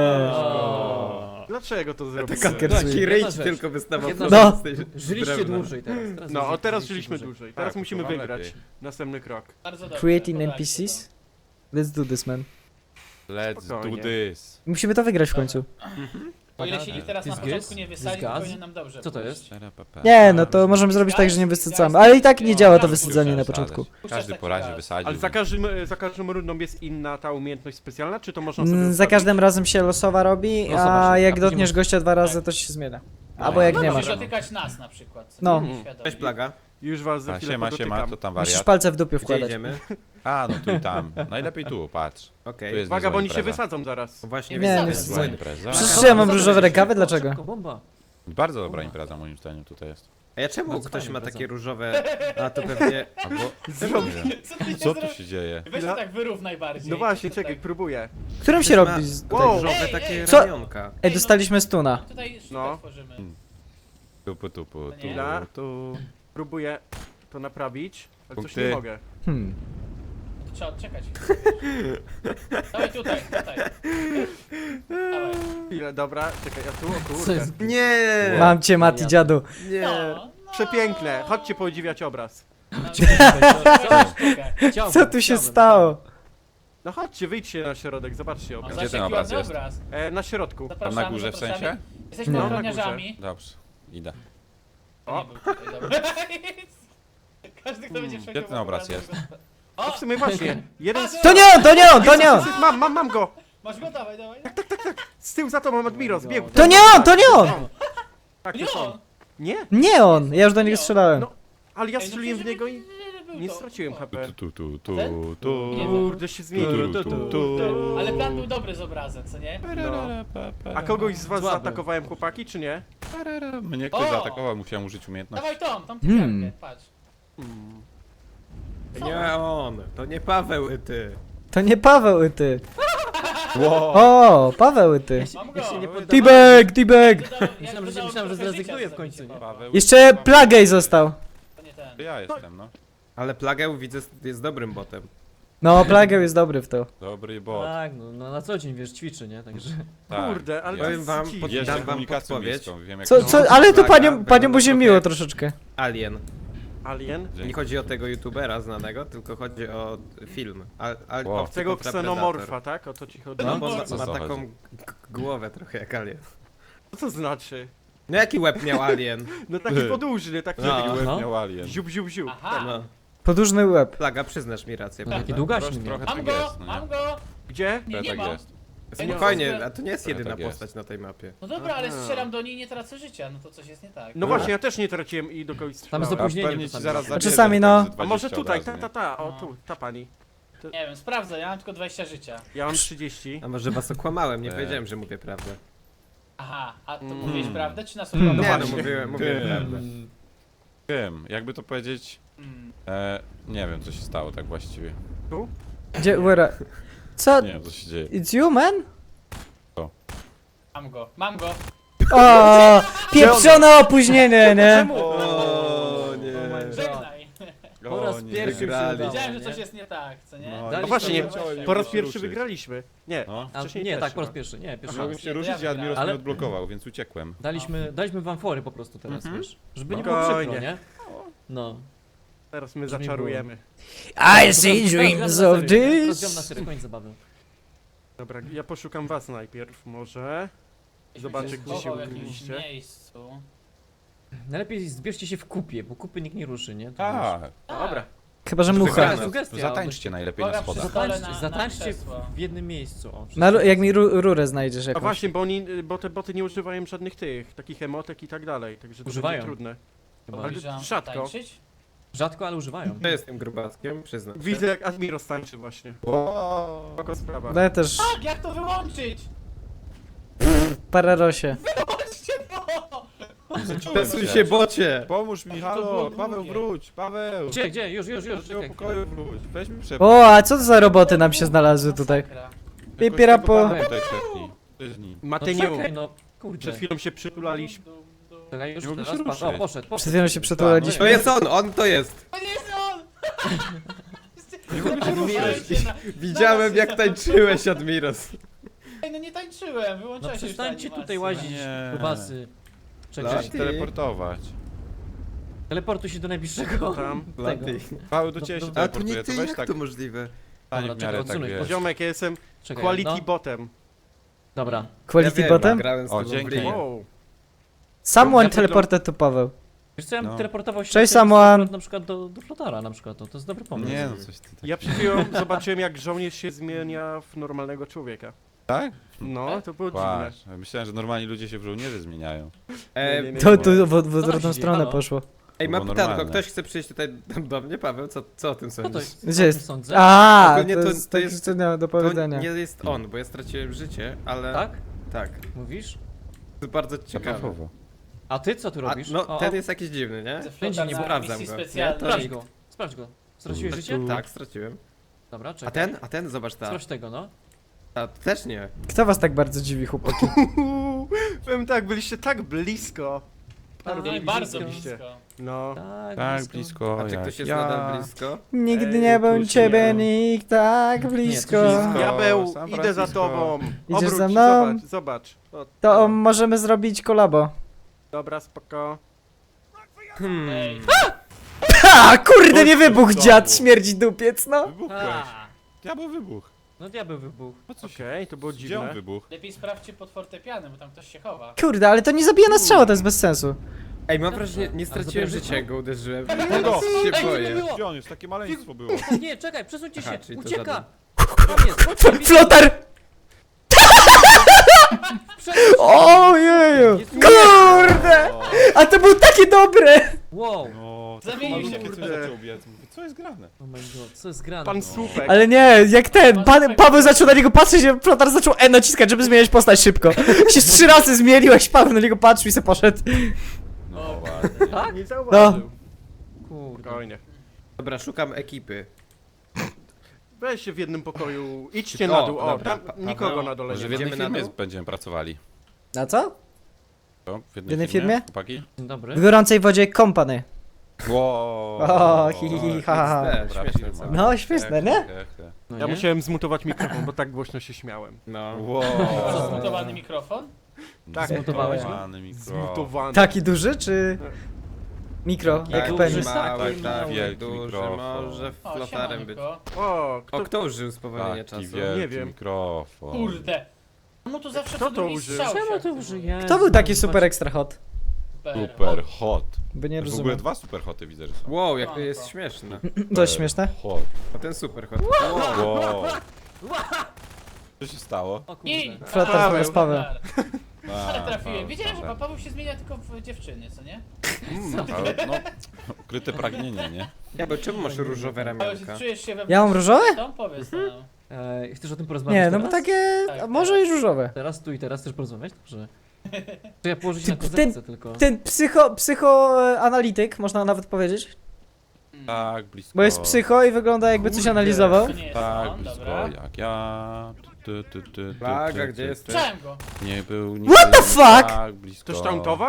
Speaker 6: Dlaczego to zrobiłem?
Speaker 3: Kaker-
Speaker 7: Taki ryć
Speaker 4: Jedna rzecz.
Speaker 7: tylko wystawał.
Speaker 4: Jedna
Speaker 7: Flotar
Speaker 3: rzecz.
Speaker 7: z tej
Speaker 4: Żyliście
Speaker 7: drewna.
Speaker 4: dłużej teraz.
Speaker 6: No, a teraz
Speaker 4: żyliście
Speaker 6: żyliśmy dłużej. Teraz
Speaker 1: Tak,
Speaker 6: musimy
Speaker 1: to wam
Speaker 6: wygrać.
Speaker 1: lepiej.
Speaker 6: Następny krok.
Speaker 5: Bardzo dobrze.
Speaker 3: Creating
Speaker 5: podajcie
Speaker 3: NPCs? Let's do this, man.
Speaker 1: Let's
Speaker 6: Spokojnie.
Speaker 1: do this.
Speaker 3: Musimy to wygrać w końcu.
Speaker 5: to. O ile się ich teraz
Speaker 4: Ty
Speaker 5: na
Speaker 4: z
Speaker 5: początku
Speaker 4: gaz?
Speaker 5: nie
Speaker 4: Ty
Speaker 5: wysadzi,
Speaker 4: z
Speaker 5: to
Speaker 4: gaz?
Speaker 5: powinien nam dobrze
Speaker 4: Co to
Speaker 5: pójść.
Speaker 4: jest?
Speaker 3: Nie, no to możemy zrobić tak, że nie wysadzamy. Ale i tak nie działa to wysadzanie na początku.
Speaker 1: Każdy po razie wysadził.
Speaker 6: Ale za każdym rundą jest inna ta umiejętność specjalna, czy to można sobie
Speaker 3: Za
Speaker 6: ustawić?
Speaker 3: każdym razem się losowa robi,
Speaker 4: Losowa
Speaker 3: a
Speaker 4: się,
Speaker 3: jak
Speaker 4: a później
Speaker 3: dotkniesz
Speaker 4: masz-
Speaker 3: gościa 2 razy, to się zmienia. Albo jak
Speaker 1: No,
Speaker 3: nie
Speaker 1: no,
Speaker 3: masz.
Speaker 5: Musisz dotykać nas na przykład.
Speaker 3: No.
Speaker 5: Nieświadomie.
Speaker 7: Cześć Plaga.
Speaker 6: Już was za
Speaker 1: A,
Speaker 6: chwilę
Speaker 1: siema,
Speaker 6: podotykam.
Speaker 1: to tam
Speaker 3: Musisz
Speaker 1: wariat.
Speaker 3: palce w dupie
Speaker 7: Gdzie
Speaker 3: wkładać.
Speaker 7: idziemy?
Speaker 1: A, no tu i tam. Najlepiej tu, patrz.
Speaker 7: Okej.
Speaker 1: Tu jest
Speaker 6: Uwaga, bo
Speaker 1: niezła
Speaker 6: oni się
Speaker 1: impreza.
Speaker 6: wysadzą zaraz.
Speaker 7: Właśnie
Speaker 3: Nie,
Speaker 7: wiem,
Speaker 3: nie
Speaker 7: co
Speaker 3: jest
Speaker 7: jest.
Speaker 1: Zła impreza.
Speaker 3: Przecież ja mam różowe rękawy, dlaczego?
Speaker 4: Szybko, bomba.
Speaker 1: Bardzo dobra impreza moim zdaniem tutaj jest.
Speaker 7: A ja czemu
Speaker 4: Bardzo
Speaker 7: ktoś
Speaker 4: fajnie,
Speaker 7: ma
Speaker 4: bardzo.
Speaker 7: takie różowe... A to pewnie...
Speaker 1: Albo...
Speaker 6: Zrobię.
Speaker 1: Co tu się dzieje?
Speaker 5: Weź to tak wyrównaj bardziej.
Speaker 6: No właśnie,
Speaker 5: Tutaj-
Speaker 6: czekaj, próbuję.
Speaker 3: Którym się
Speaker 7: Ktoś ma
Speaker 3: robi?
Speaker 7: Tutaj
Speaker 6: Wow.
Speaker 7: różowe takie
Speaker 3: Co?
Speaker 7: ramionka.
Speaker 3: Ej, dostaliśmy stuna.
Speaker 5: Tutaj sztukę
Speaker 6: No.
Speaker 5: tworzymy.
Speaker 1: Tupu, tupu, tu,
Speaker 6: Chwila.
Speaker 1: tu.
Speaker 6: Próbuję to naprawić, ale coś
Speaker 1: Punkty.
Speaker 6: nie mogę.
Speaker 5: Trzeba odczekać. Dawaj tutaj. Dawaj.
Speaker 6: Chwilę, dobra, czekaj, ja tu, o
Speaker 4: Co
Speaker 6: kurde.
Speaker 4: jest?
Speaker 7: Nie!
Speaker 3: Mam cię, Mati, dziadu.
Speaker 7: Nie!
Speaker 5: No,
Speaker 6: Przepiękne, chodźcie podziwiać obraz.
Speaker 4: Chciałbym,
Speaker 3: Co tu się
Speaker 4: chciałbym.
Speaker 3: stało?
Speaker 6: No chodźcie, wyjdźcie na środek, zobaczcie obraz.
Speaker 1: Gdzie ten obraz jest?
Speaker 6: Na środku.
Speaker 1: Tam na górze w sensie?
Speaker 5: Jesteśmy
Speaker 3: No.
Speaker 5: ochroniarzami.
Speaker 1: Dobrze, idę.
Speaker 5: To nie był tutaj, dobra. Każdy, kto będzie
Speaker 1: Gdzie ten obraz jest?
Speaker 6: No w sumie właśnie, jeden z...
Speaker 3: To nie on, to nie on, to nie on!
Speaker 6: Mam go!
Speaker 5: Masz go, dawaj, dawaj.
Speaker 6: Z tyłu za tobą Admiro, zbiegł.
Speaker 3: To nie on, to nie on!
Speaker 6: Tak, to
Speaker 5: Nie
Speaker 6: są.
Speaker 5: on!
Speaker 6: Nie?
Speaker 3: Nie on, ja już do niego strzelałem.
Speaker 6: No. Ale ja
Speaker 5: Ej, no
Speaker 6: strzeliłem w
Speaker 5: przecież
Speaker 6: niego i
Speaker 5: był
Speaker 6: nie
Speaker 5: to.
Speaker 6: straciłem
Speaker 5: O.
Speaker 6: HP.
Speaker 1: Tu.
Speaker 5: Nie
Speaker 6: Kurde, się zmienił.
Speaker 5: Ale plan był dobry z obrazem, co nie?
Speaker 6: A kogoś z was
Speaker 4: Słaby.
Speaker 6: zaatakowałem, chłopaki, czy nie?
Speaker 1: Mnie ktoś
Speaker 5: O!
Speaker 1: zaatakował, musiałem użyć umiejętności.
Speaker 5: Dawaj tą
Speaker 3: Hmm.
Speaker 5: typiarkę, patrz.
Speaker 7: Nie on! To nie Paweł, ty!
Speaker 3: To nie Paweł, ty.
Speaker 1: Wow.
Speaker 3: O, Paweł, ty.
Speaker 5: Mam go.
Speaker 4: Ja się nie poddawałem.
Speaker 3: T-bag, T-bag!
Speaker 4: Myślałem, że zrezygnuje w końcu, nie?
Speaker 1: Paweł.
Speaker 3: Jeszcze Plagej został.
Speaker 5: To nie ten.
Speaker 1: Ja jestem, no.
Speaker 7: Ale Plagę widzę jest dobrym botem.
Speaker 3: No, Plagę jest dobry w to.
Speaker 1: Dobry bot.
Speaker 4: Tak, no na co dzień, wiesz, ćwiczy, nie? Także...
Speaker 1: Tak.
Speaker 6: Kurde, ale
Speaker 1: Ja
Speaker 7: Powiem wam,
Speaker 6: Ci-
Speaker 1: jeżdżę
Speaker 7: dam wam
Speaker 1: komunikacją
Speaker 7: podpowiedź.
Speaker 1: miejską, wiem jak
Speaker 3: Co,
Speaker 1: to-
Speaker 3: co, ale to
Speaker 7: Plaga,
Speaker 3: panią
Speaker 7: wygląda
Speaker 3: mu się
Speaker 7: trochę-
Speaker 3: miło troszeczkę.
Speaker 7: Alien.
Speaker 6: Alien?
Speaker 1: Dzięki.
Speaker 7: Nie chodzi o tego youtubera znanego, tylko chodzi o film.
Speaker 1: Wow.
Speaker 7: Obcy
Speaker 6: Tego
Speaker 7: kontra
Speaker 6: ksenomorfa,
Speaker 7: Predator.
Speaker 6: tak? O to ci chodzi?
Speaker 7: No bo ma,
Speaker 1: Co
Speaker 7: ma
Speaker 1: za
Speaker 7: taką
Speaker 1: chodzi?
Speaker 7: głowę trochę jak alien.
Speaker 6: Co to znaczy?
Speaker 7: No jaki łeb miał alien?
Speaker 6: No taki podłużny, taki
Speaker 7: No.
Speaker 1: Taki łeb
Speaker 4: No.
Speaker 1: miał alien.
Speaker 6: ziub, ziub, ziub.
Speaker 5: Aha.
Speaker 7: No.
Speaker 3: Podłużny łeb.
Speaker 7: Plaga, przyznasz mi rację.
Speaker 4: No
Speaker 7: prawda?
Speaker 4: taki długaśny miał.
Speaker 1: Trochę
Speaker 5: Mam
Speaker 1: tak
Speaker 5: go,
Speaker 1: jest, no nie?
Speaker 5: mam go.
Speaker 6: Gdzie?
Speaker 5: Nie, nie
Speaker 1: tak
Speaker 5: mam.
Speaker 1: jest.
Speaker 7: Spokojnie, a to nie jest
Speaker 1: Trochę
Speaker 7: jedyna
Speaker 1: tak jest.
Speaker 7: postać na tej mapie.
Speaker 5: No dobra, ale
Speaker 6: Aha.
Speaker 5: strzelam do niej i nie tracę życia, no to coś jest nie tak.
Speaker 6: No właśnie, ja też nie traciłem i do kogoś
Speaker 4: Tam jest
Speaker 6: strzelałem.
Speaker 1: A
Speaker 4: opóźnienie
Speaker 1: pewnie ci
Speaker 4: czasami.
Speaker 1: zaraz
Speaker 3: A
Speaker 1: zabierze
Speaker 3: czasami,
Speaker 1: tak
Speaker 3: no.
Speaker 1: ze
Speaker 6: A
Speaker 1: 20
Speaker 6: może tutaj,
Speaker 1: od razu, nie?
Speaker 6: o tu, ta pani.
Speaker 5: Nie wiem, sprawdzę, ja mam tylko 20 życia.
Speaker 6: Ja mam 30.
Speaker 7: A może was okłamałem, nie
Speaker 1: Tak.
Speaker 7: powiedziałem, że mówię prawdę.
Speaker 5: Aha, a to
Speaker 1: Mm.
Speaker 5: mówiłeś prawdę, czy nas
Speaker 7: Nie,
Speaker 5: okłamałeś?
Speaker 7: no mówiłem prawdę.
Speaker 1: Wiem, jakby to powiedzieć...
Speaker 5: Mm.
Speaker 1: Nie wiem co się stało tak właściwie.
Speaker 3: Gdzie, where? Co?
Speaker 1: Nie wiem co się dzieje.
Speaker 3: It's you, man?
Speaker 5: Mam go, mam go.
Speaker 3: O, pieprzone opóźnienie, nie?
Speaker 7: O nie.
Speaker 5: Żegnaj.
Speaker 4: Po raz
Speaker 1: O nie.
Speaker 4: pierwszy się
Speaker 7: Wygrali.
Speaker 4: udało,
Speaker 5: Wiedziałem, że
Speaker 4: nie?
Speaker 5: coś jest nie tak, co nie?
Speaker 1: No,
Speaker 4: Daliśmy
Speaker 6: No właśnie,
Speaker 4: mu
Speaker 6: po raz
Speaker 1: się
Speaker 6: pierwszy
Speaker 1: ruszyć.
Speaker 6: wygraliśmy. Nie,
Speaker 1: No.
Speaker 4: A,
Speaker 6: wcześniej
Speaker 4: nie,
Speaker 6: też
Speaker 4: tak, po raz
Speaker 6: chyba.
Speaker 4: pierwszy, nie, pierwszy
Speaker 1: Mogłem
Speaker 4: raz.
Speaker 1: się ruszyć, a Admiros
Speaker 4: Ale-
Speaker 1: mnie odblokował, więc uciekłem.
Speaker 4: Daliśmy wam fory po prostu teraz, wiesz? Żeby nie było
Speaker 6: Spokojnie.
Speaker 4: przykro, nie? No.
Speaker 6: Teraz my
Speaker 4: Żeby
Speaker 6: zaczarujemy.
Speaker 3: I see dreams of
Speaker 4: Rozdział na
Speaker 3: this.
Speaker 4: serio, koniec zabawy.
Speaker 6: Dobra, ja poszukam was najpierw może. Zobaczę,
Speaker 5: Gdzieś
Speaker 6: gdzie się
Speaker 5: schował w jakimś
Speaker 6: ukryliście.
Speaker 5: miejscu.
Speaker 4: Najlepiej zbierzcie się w kupie, bo kupy nikt nie ruszy, nie? To
Speaker 1: A,
Speaker 6: Dobra.
Speaker 3: Chyba, że
Speaker 4: wiesz.
Speaker 3: mucha.
Speaker 4: Taka
Speaker 1: to
Speaker 4: sugestia.
Speaker 1: zatańczcie najlepiej na
Speaker 5: Uwaga, przy
Speaker 1: schodach.
Speaker 5: stole
Speaker 4: Zatańczcie
Speaker 5: na krzesło.
Speaker 4: w jednym miejscu. O,
Speaker 3: Jak mi rurę znajdziesz
Speaker 6: A
Speaker 3: jakąś.
Speaker 6: właśnie, bo te boty nie używają żadnych tych, takich emotek i tak dalej, także to
Speaker 4: Używają.
Speaker 6: będzie trudne.
Speaker 4: Chyba.
Speaker 6: Ale
Speaker 5: Podejrzewam,
Speaker 6: rzadko.
Speaker 5: tańczyć?
Speaker 4: Rzadko, ale używają.
Speaker 7: To jest tym grubaskiem, przyznam się.
Speaker 6: Widzę jak Admiros tańczy właśnie.
Speaker 1: Wow.
Speaker 6: Spoko sprawa.
Speaker 3: No ja też
Speaker 5: Tak, jak to wyłączyć?
Speaker 3: pararosie.
Speaker 5: Wyłączcie to!
Speaker 7: Pesuj się, bocie!
Speaker 1: Pomóż mi,
Speaker 5: To
Speaker 1: halo!
Speaker 5: było
Speaker 1: Paweł,
Speaker 5: długie.
Speaker 1: wróć! Paweł!
Speaker 4: Gdzie? Już,
Speaker 1: Do tego
Speaker 4: czekaj.
Speaker 1: pokoju wróć! Weź mi przepnij.
Speaker 3: O, a co to za roboty nam się znalazły tutaj?
Speaker 5: Masakra.
Speaker 3: Pipiera po...
Speaker 1: Tutaj przepnij. Tyźnij.
Speaker 4: No
Speaker 6: Matyniu,
Speaker 4: czekaj, no kurde.
Speaker 6: przed chwilą się przytulaliśmy.
Speaker 4: Czekaj, już
Speaker 1: Nie mogę
Speaker 4: teraz
Speaker 1: się
Speaker 4: patrz. O,
Speaker 1: ruszyć.
Speaker 4: poszedł.
Speaker 3: Przed chwilą się przetulaliśmy.
Speaker 7: To jest on to jest!
Speaker 5: To nie jest on!
Speaker 7: Widziałem jak tańczyłeś, Admiros.
Speaker 5: Ej, no nie tańczyłem,
Speaker 4: No
Speaker 5: wyłączyłeś się
Speaker 4: przestańcie
Speaker 5: animację.
Speaker 4: tutaj łazić,
Speaker 1: Nie.
Speaker 4: kubasy.
Speaker 1: Trzeba
Speaker 4: Czekaj,
Speaker 1: się
Speaker 7: Ty.
Speaker 1: teleportować.
Speaker 4: teleportuj się do najbliższego
Speaker 6: Tam.
Speaker 4: tego.
Speaker 7: Laty.
Speaker 1: Paweł, do ciebie się
Speaker 4: A, tu
Speaker 7: A tu
Speaker 1: teleportuje,
Speaker 7: nie
Speaker 1: to
Speaker 7: ty,
Speaker 1: weź
Speaker 7: jak
Speaker 1: tak
Speaker 7: to możliwe?
Speaker 1: tań
Speaker 4: Dobra,
Speaker 1: w miarę,
Speaker 4: czekaj,
Speaker 1: tak
Speaker 4: odsuń
Speaker 1: wiesz.
Speaker 6: Ziomek, ja jestem
Speaker 4: Czekaj,
Speaker 6: quality
Speaker 4: no.
Speaker 6: botem.
Speaker 4: Dobra.
Speaker 3: Quality
Speaker 7: ja
Speaker 3: bottom?
Speaker 7: grałem z
Speaker 1: O,
Speaker 7: tobą w
Speaker 1: dzięki.
Speaker 7: Ring.
Speaker 6: Wow.
Speaker 3: Someone
Speaker 4: Ja
Speaker 3: teleported to Paweł.
Speaker 4: Wiesz co, ja bym
Speaker 1: No.
Speaker 4: teleportował się
Speaker 3: Cześć,
Speaker 4: na
Speaker 3: someone.
Speaker 4: na przykład do Flotara na przykład, to jest dobry pomysł.
Speaker 1: Nie no, coś ty tak.
Speaker 6: Ja przed chwilą zobaczyłem jak żołnierz się zmienia w normalnego człowieka.
Speaker 1: Tak?
Speaker 6: No, to było dziwne.
Speaker 1: Kłasz. Myślałem, że normalni ludzie się w żołnierzy zmieniają.
Speaker 6: nie.
Speaker 3: To w
Speaker 4: Co tam
Speaker 3: odwrotną
Speaker 4: się
Speaker 3: stronę
Speaker 4: dzieje?
Speaker 3: poszło.
Speaker 7: Ej, mam
Speaker 1: było
Speaker 7: pytanko,
Speaker 1: normalne.
Speaker 7: ktoś chce przyjść tutaj do mnie, Paweł? Co o tym
Speaker 4: Co to
Speaker 7: sądzisz?
Speaker 4: jest?
Speaker 3: Gdzie
Speaker 4: Co o tym
Speaker 3: jest?
Speaker 4: sądzę?
Speaker 3: A,
Speaker 7: Ogólnie
Speaker 3: to
Speaker 7: to-
Speaker 3: jest
Speaker 7: to
Speaker 3: takie
Speaker 7: jest-
Speaker 3: co miałem do
Speaker 7: To
Speaker 3: powiedzenia.
Speaker 7: nie jest on, bo ja straciłem życie, ale...
Speaker 4: Tak?
Speaker 7: Tak.
Speaker 4: Mówisz?
Speaker 7: To bardzo ciekawe.
Speaker 1: Zapachowo.
Speaker 4: A ty co tu
Speaker 7: A,
Speaker 4: robisz?
Speaker 7: no,
Speaker 4: O,
Speaker 7: ten
Speaker 4: o,
Speaker 7: jest jakiś dziwny, nie?
Speaker 4: Będzie, nie
Speaker 7: sprawdzam
Speaker 5: misji
Speaker 7: go.
Speaker 5: specjalnej.
Speaker 4: Sprawdź go. Sprawdź go. Straciłeś życie?
Speaker 7: Tak, straciłem.
Speaker 4: Dobra,
Speaker 7: A
Speaker 4: czekaj.
Speaker 7: ten? Zobacz, ta.
Speaker 4: Sprawdź tego, no.
Speaker 7: Ta też nie.
Speaker 3: Kto was tak bardzo dziwi, chłopaki?
Speaker 6: Powiem tak, byliście tak blisko.
Speaker 5: Byli bardzo
Speaker 6: byliście.
Speaker 5: blisko.
Speaker 6: No.
Speaker 1: Tak, blisko
Speaker 7: A czy
Speaker 1: jak
Speaker 7: ktoś jest
Speaker 1: ja.
Speaker 7: nadal blisko?
Speaker 3: Nigdy
Speaker 6: Ej,
Speaker 3: nie był
Speaker 6: tu się
Speaker 3: ciebie
Speaker 6: nie-
Speaker 3: nikt tak
Speaker 4: Nie,
Speaker 3: blisko.
Speaker 4: tu się
Speaker 6: Diabeł,
Speaker 1: San
Speaker 6: idę za
Speaker 1: Francisco.
Speaker 6: tobą.
Speaker 3: Idziesz
Speaker 6: Obróć
Speaker 3: za
Speaker 6: się,
Speaker 3: mną?
Speaker 6: Zobacz. O,
Speaker 3: To możemy zrobić kolabo.
Speaker 6: Dobra, spoko.
Speaker 5: Ej,
Speaker 3: Ha, kurde, nie
Speaker 1: Chodź tu
Speaker 3: wybuch
Speaker 1: w
Speaker 3: dziad,
Speaker 1: domu.
Speaker 3: śmierdzi dupiec, no.
Speaker 1: Wybuchłeś.
Speaker 4: A,
Speaker 1: Diabeł wybuch.
Speaker 4: no diabeł wybuchł.
Speaker 1: Po co się...
Speaker 6: Okej, to było
Speaker 1: Gdzie on
Speaker 6: dziwne.
Speaker 1: wybuch?
Speaker 5: lepiej sprawdźcie pod fortepianem, bo tam ktoś się chowa.
Speaker 3: Kurde, ale to nie zabija na strzała, to jest bez sensu.
Speaker 7: Ej, mam wrażenie, nie
Speaker 4: A
Speaker 7: straciłem
Speaker 4: zabierasz
Speaker 7: życia,
Speaker 4: życie?
Speaker 7: jak go uderzyłem.
Speaker 1: Kogo?
Speaker 7: Teraz się
Speaker 4: Ej,
Speaker 7: boję.
Speaker 4: nie było.
Speaker 1: Gdzie on jest? Takie maleństwo było.
Speaker 4: Nie, czekaj, przesuńcie
Speaker 7: Aha,
Speaker 4: się.
Speaker 7: czyli to
Speaker 4: Ucieka.
Speaker 7: żaden.
Speaker 4: Tam jest, chodźcie,
Speaker 3: Flotar! Ojeju! Kurde!
Speaker 1: O,
Speaker 3: A to było takie dobre!
Speaker 4: Wow.
Speaker 1: no,
Speaker 5: Zamienił się
Speaker 1: malutkie
Speaker 6: w
Speaker 1: coś
Speaker 6: kurde.
Speaker 1: zaczął biec. Mówię, co jest grane?
Speaker 4: Oh my god, co jest grane?
Speaker 6: Pan
Speaker 4: No.
Speaker 6: Słupek.
Speaker 3: Ale nie, jak ten, Paweł zaczął na niego patrzeć, a Flotar zaczął E naciskać, żeby zmieniać postać szybko. Się 3 razy zmieniłeś, Paweł na niego patrzył i se poszedł.
Speaker 1: No ładnie.
Speaker 4: Tak?
Speaker 6: Nie zauważył.
Speaker 4: Kurde.
Speaker 6: Spokojnie.
Speaker 7: Dobra, szukam ekipy.
Speaker 6: Weź się w jednym pokoju, idźcie
Speaker 7: O,
Speaker 6: na dół. O,
Speaker 7: dobra,
Speaker 6: tam nikogo na dole
Speaker 1: Może
Speaker 6: nie
Speaker 1: w
Speaker 6: ma.
Speaker 1: jednej
Speaker 7: Idziemy na
Speaker 1: firmie
Speaker 7: dół?
Speaker 1: będziemy pracowali.
Speaker 3: Na co?
Speaker 1: Co?
Speaker 3: W jednej firmie?
Speaker 1: Chłopaki?
Speaker 4: Dzień dobry.
Speaker 3: W gorącej wodzie company.
Speaker 1: Wow.
Speaker 3: O, hi, hi, hi, ha, ha.
Speaker 7: XD,
Speaker 1: Dobra
Speaker 7: śmieszne
Speaker 1: firma.
Speaker 7: co?
Speaker 3: No, śmieszne, nie?
Speaker 4: No
Speaker 6: Ja
Speaker 4: nie?
Speaker 6: musiałem zmutować mikrofon, bo tak głośno się śmiałem.
Speaker 7: No.
Speaker 1: Wow.
Speaker 5: Masz zmutowany mikrofon?
Speaker 6: Tak,
Speaker 4: Zmutowałeś go?
Speaker 1: Zmutowany mikrofon.
Speaker 6: Zmutowany.
Speaker 3: Taki duży, czy... Mikro,
Speaker 4: Tak,
Speaker 3: jak
Speaker 7: Tak,
Speaker 3: penis?
Speaker 7: mały,
Speaker 4: Taki
Speaker 7: tak,
Speaker 1: wielki
Speaker 7: duży,
Speaker 1: mikrofon.
Speaker 7: może
Speaker 5: O,
Speaker 7: flotarem być.
Speaker 5: siemanko.
Speaker 6: O,
Speaker 7: O,
Speaker 6: kto...
Speaker 7: kto użył spowolnienia
Speaker 1: Taki
Speaker 7: czasu?
Speaker 1: wielki
Speaker 6: Nie wiem.
Speaker 1: mikrofon.
Speaker 5: Kurde. No tu zawsze
Speaker 6: Kto
Speaker 5: co
Speaker 6: to
Speaker 5: drugi
Speaker 6: użył?
Speaker 5: strzał
Speaker 4: Czemu
Speaker 5: się
Speaker 4: to
Speaker 5: aktywuje.
Speaker 4: użyję?
Speaker 3: Kto był taki super extra hot?
Speaker 1: Super hot.
Speaker 3: By nie
Speaker 1: W ogóle
Speaker 3: rozumiem.
Speaker 1: 2 super hoty widzę, że są.
Speaker 7: Wow, jak to jest
Speaker 5: Spoko.
Speaker 7: śmieszne.
Speaker 3: Dość śmieszne.
Speaker 1: Hot.
Speaker 7: A ten super hot.
Speaker 1: Wow. Co się stało?
Speaker 4: O
Speaker 5: I...
Speaker 4: kurde.
Speaker 3: Flotar zamiast Paweł.
Speaker 5: Ale
Speaker 1: A,
Speaker 5: trafiłem. Wiedziałem, że
Speaker 1: dobra.
Speaker 5: pan Paweł się zmienia tylko w dziewczyny, co nie?
Speaker 1: Ale no, ukryte pragnienie, nie?
Speaker 7: Ja, bo czemu masz różowe
Speaker 5: Paweł,
Speaker 7: ramionka?
Speaker 5: czujesz się we
Speaker 3: Ja mam różowe?
Speaker 5: Tą powiedz nam.
Speaker 4: Chcesz o tym porozmawiać
Speaker 3: Nie, no bo
Speaker 4: teraz?
Speaker 3: takie...
Speaker 5: Tak,
Speaker 3: a może i różowe.
Speaker 4: Teraz tu i teraz chcesz porozmawiać? Dobrze. To ja położyć
Speaker 3: Ty-
Speaker 4: na kozetce tylko.
Speaker 3: Ten psychoanalityk, można nawet powiedzieć.
Speaker 1: Tak, blisko.
Speaker 3: Bo jest psycho i wygląda jakby coś
Speaker 6: Kurde.
Speaker 3: analizował.
Speaker 5: To nie jest
Speaker 1: Tak,
Speaker 5: on,
Speaker 1: blisko
Speaker 5: dobra.
Speaker 1: jak ja.
Speaker 7: Plaga, gdzie jest?
Speaker 1: ty.
Speaker 5: Słyszałem go.
Speaker 1: Nie był
Speaker 3: What the
Speaker 1: nigdy
Speaker 3: fuck?
Speaker 1: Tak, blisko.
Speaker 6: Ktoś tauntował?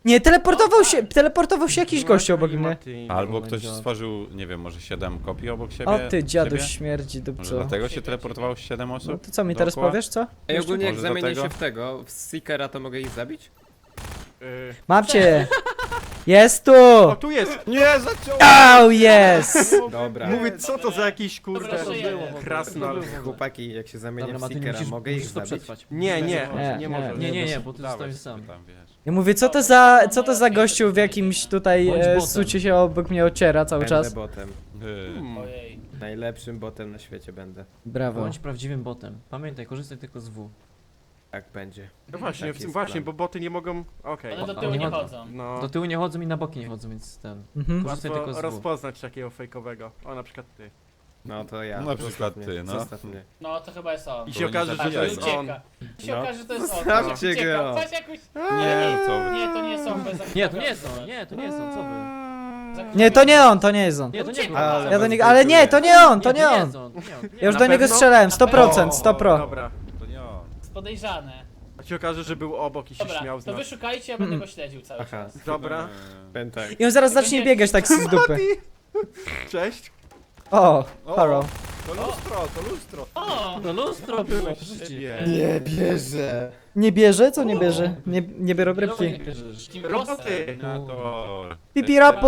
Speaker 3: Nie, teleportował się jakiś gościu obok mnie.
Speaker 1: Albo
Speaker 2: my
Speaker 1: ktoś
Speaker 2: God.
Speaker 1: stworzył, nie wiem, może 7 kopii obok siebie.
Speaker 3: O ty dziadu
Speaker 1: siebie?
Speaker 3: śmierdzi
Speaker 1: Może
Speaker 3: dupco.
Speaker 1: dlatego się teleportowało 7
Speaker 3: No
Speaker 1: osób?
Speaker 3: to co mi teraz
Speaker 1: Dookoła?
Speaker 3: powiesz, co?
Speaker 7: Ej, ogólnie jak
Speaker 1: Może
Speaker 7: zamienię
Speaker 1: dlatego?
Speaker 7: się w tego, w Seekera, to mogę ich zabić?
Speaker 3: Mam cię! Jest
Speaker 6: O,
Speaker 3: tu!
Speaker 6: tu jest!
Speaker 1: Nie, zaciął!
Speaker 3: Au, jest!
Speaker 7: Dobra.
Speaker 6: Mówię, co to za jakiś
Speaker 5: Dobra,
Speaker 6: kurde
Speaker 5: żyjemy.
Speaker 6: krasnal.
Speaker 7: Chłopaki, jak się zamienię
Speaker 4: Dobra,
Speaker 7: w
Speaker 4: Matyniu,
Speaker 7: Seekera, mogę ich
Speaker 4: musisz to
Speaker 7: zabić?
Speaker 4: przetrwać.
Speaker 6: Nie, nie,
Speaker 3: Nie,
Speaker 6: nie może.
Speaker 4: Nie, bo ty
Speaker 1: Dawaj
Speaker 4: zostajesz
Speaker 1: sobie
Speaker 4: sam.
Speaker 1: tam, wiesz.
Speaker 3: Ja mówię, co to za gościu w jakimś tutaj
Speaker 4: Bądź botem.
Speaker 3: sucie się obok mnie ociera cały
Speaker 7: Będę
Speaker 3: czas?
Speaker 7: botem.
Speaker 5: Ojej.
Speaker 7: Najlepszym botem na świecie będę.
Speaker 3: Brawo.
Speaker 4: Bądź prawdziwym botem. Pamiętaj, korzystaj tylko z W.
Speaker 7: Tak będzie.
Speaker 6: No właśnie,
Speaker 7: Taki jest
Speaker 6: właśnie,
Speaker 7: plan.
Speaker 6: bo boty nie mogą... Okej.
Speaker 5: One do
Speaker 4: A
Speaker 5: tyłu
Speaker 4: nie
Speaker 5: nie
Speaker 4: chodzą.
Speaker 5: chodzą.
Speaker 6: No,
Speaker 4: Do tyłu nie chodzą i na boki nie chodzą, więc ten.
Speaker 3: Mhm.
Speaker 4: Korzystaj tylko
Speaker 6: łatwo
Speaker 4: z W.
Speaker 6: rozpoznać takiego fejkowego. O, na przykład ty.
Speaker 7: No to ja.
Speaker 1: Na przykład
Speaker 7: Zostaw mnie,
Speaker 1: ty, no.
Speaker 7: Zostaw mnie.
Speaker 5: No to chyba jest on.
Speaker 6: I
Speaker 1: To
Speaker 6: się
Speaker 1: nie
Speaker 6: okaże, że
Speaker 1: zabijaj
Speaker 6: to jest
Speaker 1: go.
Speaker 6: on.
Speaker 5: Ucieka. I się
Speaker 7: No.
Speaker 5: okaże, że to jest on.
Speaker 7: Zostawcie
Speaker 5: Patrz, jak
Speaker 7: go.
Speaker 5: ucieka. Patrz, jak uś...
Speaker 1: Nie, co wy.
Speaker 5: Nie, to nie jest on. Bez
Speaker 4: Nie, to nie jest on, nie, to nie jest on, co wy?
Speaker 3: Nie, to nie on, to nie jest on.
Speaker 4: Nie, to nie był.
Speaker 7: Ale
Speaker 3: Ja do
Speaker 7: was
Speaker 3: niego, ale nie, to nie on, to
Speaker 4: Nie,
Speaker 3: nie
Speaker 4: to nie
Speaker 3: on.
Speaker 4: jest on.
Speaker 3: Ja już
Speaker 6: Na
Speaker 3: do niego
Speaker 6: pewno?
Speaker 3: strzelałem,
Speaker 5: Na
Speaker 3: 100%,
Speaker 5: pewno.
Speaker 3: 100%.
Speaker 6: Dobra.
Speaker 1: To nie on.
Speaker 5: jest podejrzane.
Speaker 6: A się okaże, że był obok i się
Speaker 5: Dobra,
Speaker 6: śmiał z
Speaker 5: to
Speaker 6: nas.
Speaker 5: wy szukajcie, ja będę go śledził cały
Speaker 7: Aha.
Speaker 5: czas.
Speaker 6: Dobra.
Speaker 7: Ben tak.
Speaker 3: I on zaraz zacznie biegać tak z dupy.
Speaker 6: Cześć.
Speaker 3: O, hello.
Speaker 1: To lustro.
Speaker 5: O!
Speaker 4: No lustro było, przecież.
Speaker 7: Nie bierze.
Speaker 3: Nie bierze? Co nie bierze? Nie biorę
Speaker 4: Nie
Speaker 3: rybki.
Speaker 4: bierzesz.
Speaker 5: Team
Speaker 6: Roboty.
Speaker 1: Terminator.
Speaker 3: Pipirapu!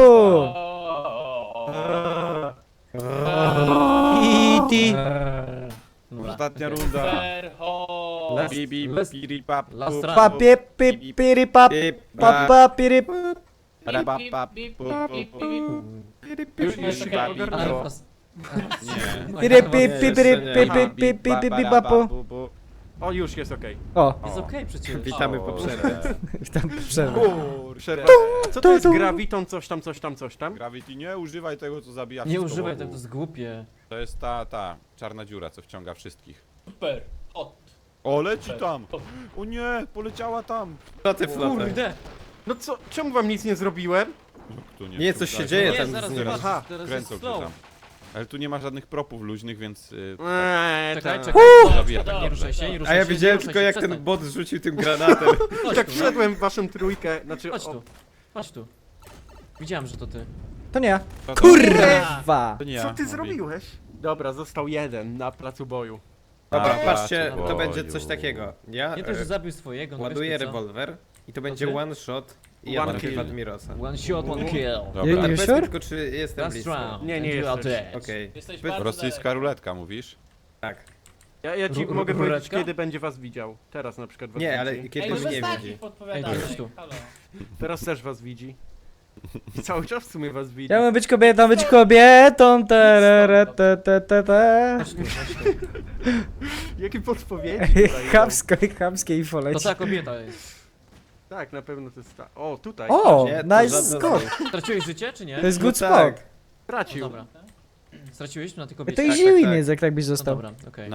Speaker 3: E.T.
Speaker 4: Dobra.
Speaker 1: Ostatnia runda.
Speaker 5: Ferho!
Speaker 4: Last-
Speaker 1: Bibi,
Speaker 4: last-
Speaker 1: piri, pap,
Speaker 4: last
Speaker 1: pup,
Speaker 4: round.
Speaker 3: Pa pip pip piri pap pa pa piri
Speaker 1: para, pap,
Speaker 5: Bip,
Speaker 1: pup,
Speaker 5: bip,
Speaker 1: pup,
Speaker 5: bip, bip.
Speaker 6: Już się
Speaker 5: Czekaj.
Speaker 6: ogarnęło.
Speaker 1: Nie.
Speaker 3: piri pip pip piri pip pip pip pip pip pip papu.
Speaker 6: O, już jest okej.
Speaker 3: O,
Speaker 4: Jest okej przecież.
Speaker 7: Witamy po przerwie.
Speaker 3: tam przerwę.
Speaker 6: Przerwa. Co to jest graviton, coś tam, coś tam, coś tam?
Speaker 1: Gravity, nie używaj tego, co zabija
Speaker 4: Nie
Speaker 1: wszystko
Speaker 4: używaj
Speaker 1: wokół.
Speaker 4: tego, to jest głupie.
Speaker 1: To jest ta czarna dziura, co wciąga wszystkich.
Speaker 5: Super. Hot.
Speaker 1: O, leci tam! O nie, poleciała tam!
Speaker 7: Co ty, Flotter?
Speaker 4: Kurde!
Speaker 6: No co, czemu wam nic nie zrobiłem?
Speaker 1: Tu
Speaker 7: Nie, coś się
Speaker 1: wciągaj.
Speaker 7: dzieje
Speaker 4: Nie,
Speaker 7: tam
Speaker 4: zaraz
Speaker 7: z nim.
Speaker 4: zobacz,
Speaker 6: Aha,
Speaker 4: teraz
Speaker 1: Kręcą
Speaker 4: jest
Speaker 1: cię
Speaker 4: slow.
Speaker 1: tam. Ale tu nie ma żadnych propów luźnych, więc...
Speaker 4: Czekaj,
Speaker 6: tak.
Speaker 4: czekaj.
Speaker 1: Zabija tak
Speaker 4: Nie
Speaker 1: dobrze.
Speaker 4: ruszaj się, nie
Speaker 7: A
Speaker 4: ruszaj
Speaker 7: ja
Speaker 4: się, nie
Speaker 7: widziałem
Speaker 4: ruszaj
Speaker 7: tylko
Speaker 4: się,
Speaker 7: jak ten
Speaker 4: przestań.
Speaker 7: bot rzucił tym granatem.
Speaker 4: Chodź
Speaker 6: Tak
Speaker 4: tu,
Speaker 6: wszedłem w waszą trójkę, znaczy...
Speaker 4: Chodź tu. Chodź tu. Widziałem, że to ty.
Speaker 3: To nie ja.
Speaker 1: To-
Speaker 3: Kurwa!
Speaker 1: To nie ja.
Speaker 6: Co ty
Speaker 1: mówi.
Speaker 6: zrobiłeś? Dobra, został jeden na placu boju.
Speaker 7: Dobra,
Speaker 1: A,
Speaker 7: patrzcie, to
Speaker 1: boju.
Speaker 7: będzie coś takiego. Ja
Speaker 4: Nie to, że zabił swojego, no
Speaker 7: ładuję
Speaker 4: wiesz ty co?
Speaker 7: rewolwer i to będzie
Speaker 4: ty?
Speaker 7: one shot i ja
Speaker 6: One
Speaker 7: trafię w
Speaker 6: kill.
Speaker 7: Admirosa.
Speaker 4: One shot, one kill.
Speaker 1: Dobra.
Speaker 3: You
Speaker 7: Ale powiedz mi
Speaker 3: sure?
Speaker 7: tylko, czy jestem
Speaker 4: Last
Speaker 7: blisko.
Speaker 4: round.
Speaker 6: Nie, nie
Speaker 4: and you are
Speaker 6: jesteś.
Speaker 4: dead.
Speaker 7: Okej.
Speaker 5: Jesteś
Speaker 7: Wy-
Speaker 5: bardzo
Speaker 1: Rosyjska
Speaker 5: daleko.
Speaker 1: ruletka, mówisz?
Speaker 7: Tak.
Speaker 6: Ja ci mogę powiedzieć,
Speaker 4: Ruletka?
Speaker 6: kiedy będzie was widział. Teraz na przykład was
Speaker 7: Nie,
Speaker 6: widzi.
Speaker 7: ale
Speaker 5: Ej,
Speaker 7: kiedy
Speaker 5: no
Speaker 7: mnie
Speaker 5: bez
Speaker 7: nie
Speaker 5: takich
Speaker 7: widzi.
Speaker 5: podpowiadamy.
Speaker 4: Ej, to jest tu.
Speaker 5: Halo.
Speaker 6: Teraz też was widzi. I cały czas w sumie was widzi.
Speaker 3: Chciałbym być kobietą, terere, te, te, te, te.
Speaker 4: Chodź tu, chodź tu.
Speaker 6: Jakie podpowiedzi tutaj idą?
Speaker 3: Chamskie info
Speaker 4: To
Speaker 3: leci.
Speaker 4: ta kobieta jest.
Speaker 6: Tak, na pewno to jest ta. O, tutaj.
Speaker 3: O,
Speaker 7: Nie, to
Speaker 3: nice
Speaker 7: żadne
Speaker 3: skok.
Speaker 4: Straciłeś życie, czy nie?
Speaker 3: To jest
Speaker 7: No
Speaker 3: good
Speaker 7: tak.
Speaker 3: spot.
Speaker 4: No
Speaker 6: Tracił.
Speaker 4: dobra. Straciłeś na tej
Speaker 3: To
Speaker 4: kobiecie?
Speaker 3: easy
Speaker 7: tak,
Speaker 3: win
Speaker 7: tak.
Speaker 3: jest, jak tak byś
Speaker 4: No
Speaker 3: został.
Speaker 4: dobra, okej.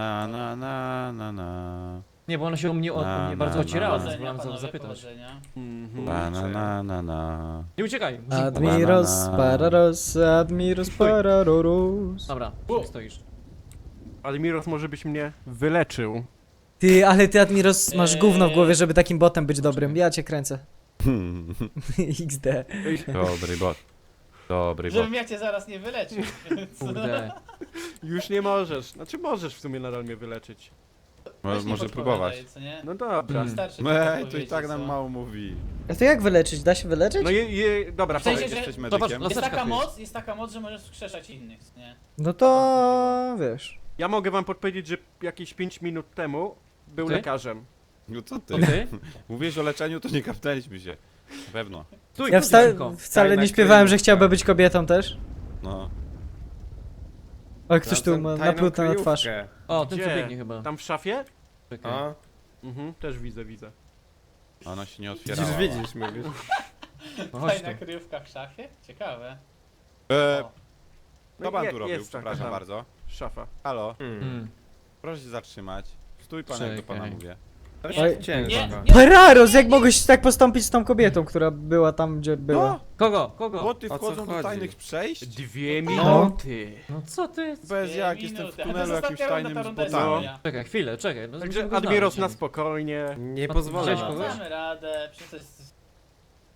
Speaker 1: Na.
Speaker 4: Nie, bo ona się o mnie
Speaker 1: Na,
Speaker 4: bardzo
Speaker 1: na,
Speaker 4: ocierała,
Speaker 1: na.
Speaker 4: więc
Speaker 5: Powodzenia,
Speaker 4: wolałem
Speaker 5: panowie,
Speaker 4: zapytać.
Speaker 5: powodzenia.
Speaker 6: Mhm.
Speaker 1: Na.
Speaker 4: Nie uciekaj!
Speaker 3: Admiros, pararos, admiros, pararorus.
Speaker 4: Dobra, gdzie stoisz?
Speaker 6: Admiros może byś mnie wyleczył.
Speaker 3: Ty, ale ty Admiros masz gówno w głowie, żeby takim botem być dobrym. Ja cię kręcę. XD.
Speaker 1: Dobry bot. Dobry bot.
Speaker 5: Żebym ja cię zaraz nie wyleczył.
Speaker 4: Kurde.
Speaker 6: Już nie możesz. Znaczy możesz w sumie nadal mnie wyleczyć.
Speaker 5: Weź nie
Speaker 1: Może
Speaker 5: podpowiadaj,
Speaker 1: próbować.
Speaker 5: Co nie?
Speaker 6: No dobra.
Speaker 5: Wystarczy
Speaker 1: Ej, to i
Speaker 5: podpowiedzieć,
Speaker 1: tak nam
Speaker 5: co?
Speaker 1: mało mówi.
Speaker 3: A to jak wyleczyć? Da się wyleczyć?
Speaker 6: No dobra,
Speaker 5: W sensie,
Speaker 6: powiedz.
Speaker 5: że-
Speaker 1: Jesteś
Speaker 4: Zobacz,
Speaker 1: medykiem?
Speaker 4: los-
Speaker 5: Jest taka moc, że możesz wskrzeszać innych, co nie?
Speaker 3: No to wiesz.
Speaker 6: Ja mogę wam podpowiedzieć, że jakieś 5 minut temu był
Speaker 4: Ty?
Speaker 6: lekarzem.
Speaker 1: No co
Speaker 4: To
Speaker 1: ty?
Speaker 4: ty?
Speaker 1: Mówisz o leczeniu, to nie kapnęliśmy się. Na pewno.
Speaker 4: Stój,
Speaker 3: Ja
Speaker 4: dziewczynko.
Speaker 3: wcale
Speaker 7: Tajna
Speaker 3: nie śpiewałem, że
Speaker 7: kryjówka.
Speaker 3: chciałby być kobietą też.
Speaker 1: No.
Speaker 3: Ale ktoś tu
Speaker 7: Znalazłem
Speaker 3: ma
Speaker 7: tajną
Speaker 3: naplutę na twarz.
Speaker 7: kryjówkę.
Speaker 4: O, ten co
Speaker 6: Gdzie?
Speaker 4: biegnie chyba.
Speaker 6: Tam w szafie?
Speaker 4: Czekaj.
Speaker 7: O,
Speaker 6: Mhm, też widzę.
Speaker 1: Ona się nie otwierała.
Speaker 7: widzisz, mówisz.
Speaker 4: No chodź tu.
Speaker 5: Fajna kryjówka w szafie? Ciekawe.
Speaker 1: Co
Speaker 6: No
Speaker 1: pan
Speaker 6: je-
Speaker 1: tu robił?
Speaker 6: jest taka
Speaker 1: Przepraszam
Speaker 6: tam
Speaker 1: bardzo.
Speaker 6: Szafa.
Speaker 1: Halo,
Speaker 4: Mm.
Speaker 1: proszę się zatrzymać. Stój pan, jak do pana
Speaker 4: Czekaj.
Speaker 1: mówię.
Speaker 7: To
Speaker 5: Nie,
Speaker 7: się ciężko.
Speaker 5: nie.
Speaker 3: Pararos, jak mogłeś tak postąpić z tą kobietą, która była tam, gdzie była?
Speaker 1: No,
Speaker 4: Kogo? Kogo?
Speaker 1: boty
Speaker 7: O co
Speaker 1: wchodzą do
Speaker 7: chodzi?
Speaker 1: tajnych przejść?
Speaker 6: 2
Speaker 3: No.
Speaker 6: minuty.
Speaker 4: No co ty?
Speaker 1: Bez jak,
Speaker 5: Dwie
Speaker 1: jestem w
Speaker 5: minuty. A to
Speaker 1: tunelu
Speaker 5: jest
Speaker 1: jakimś
Speaker 5: ostatnia runda,
Speaker 1: tajnym
Speaker 5: ta
Speaker 1: z
Speaker 5: runda jest
Speaker 1: botami.
Speaker 5: moja.
Speaker 4: Czekaj, chwilę, czekaj. No,
Speaker 6: Także
Speaker 4: musimy go
Speaker 6: Admiros
Speaker 4: znaleźć.
Speaker 6: na spokojnie.
Speaker 7: Nie
Speaker 4: No,
Speaker 7: pozwolę
Speaker 4: widziałeś
Speaker 7: na
Speaker 4: kogoś?
Speaker 7: to.
Speaker 5: Damy radę, przecież to jest...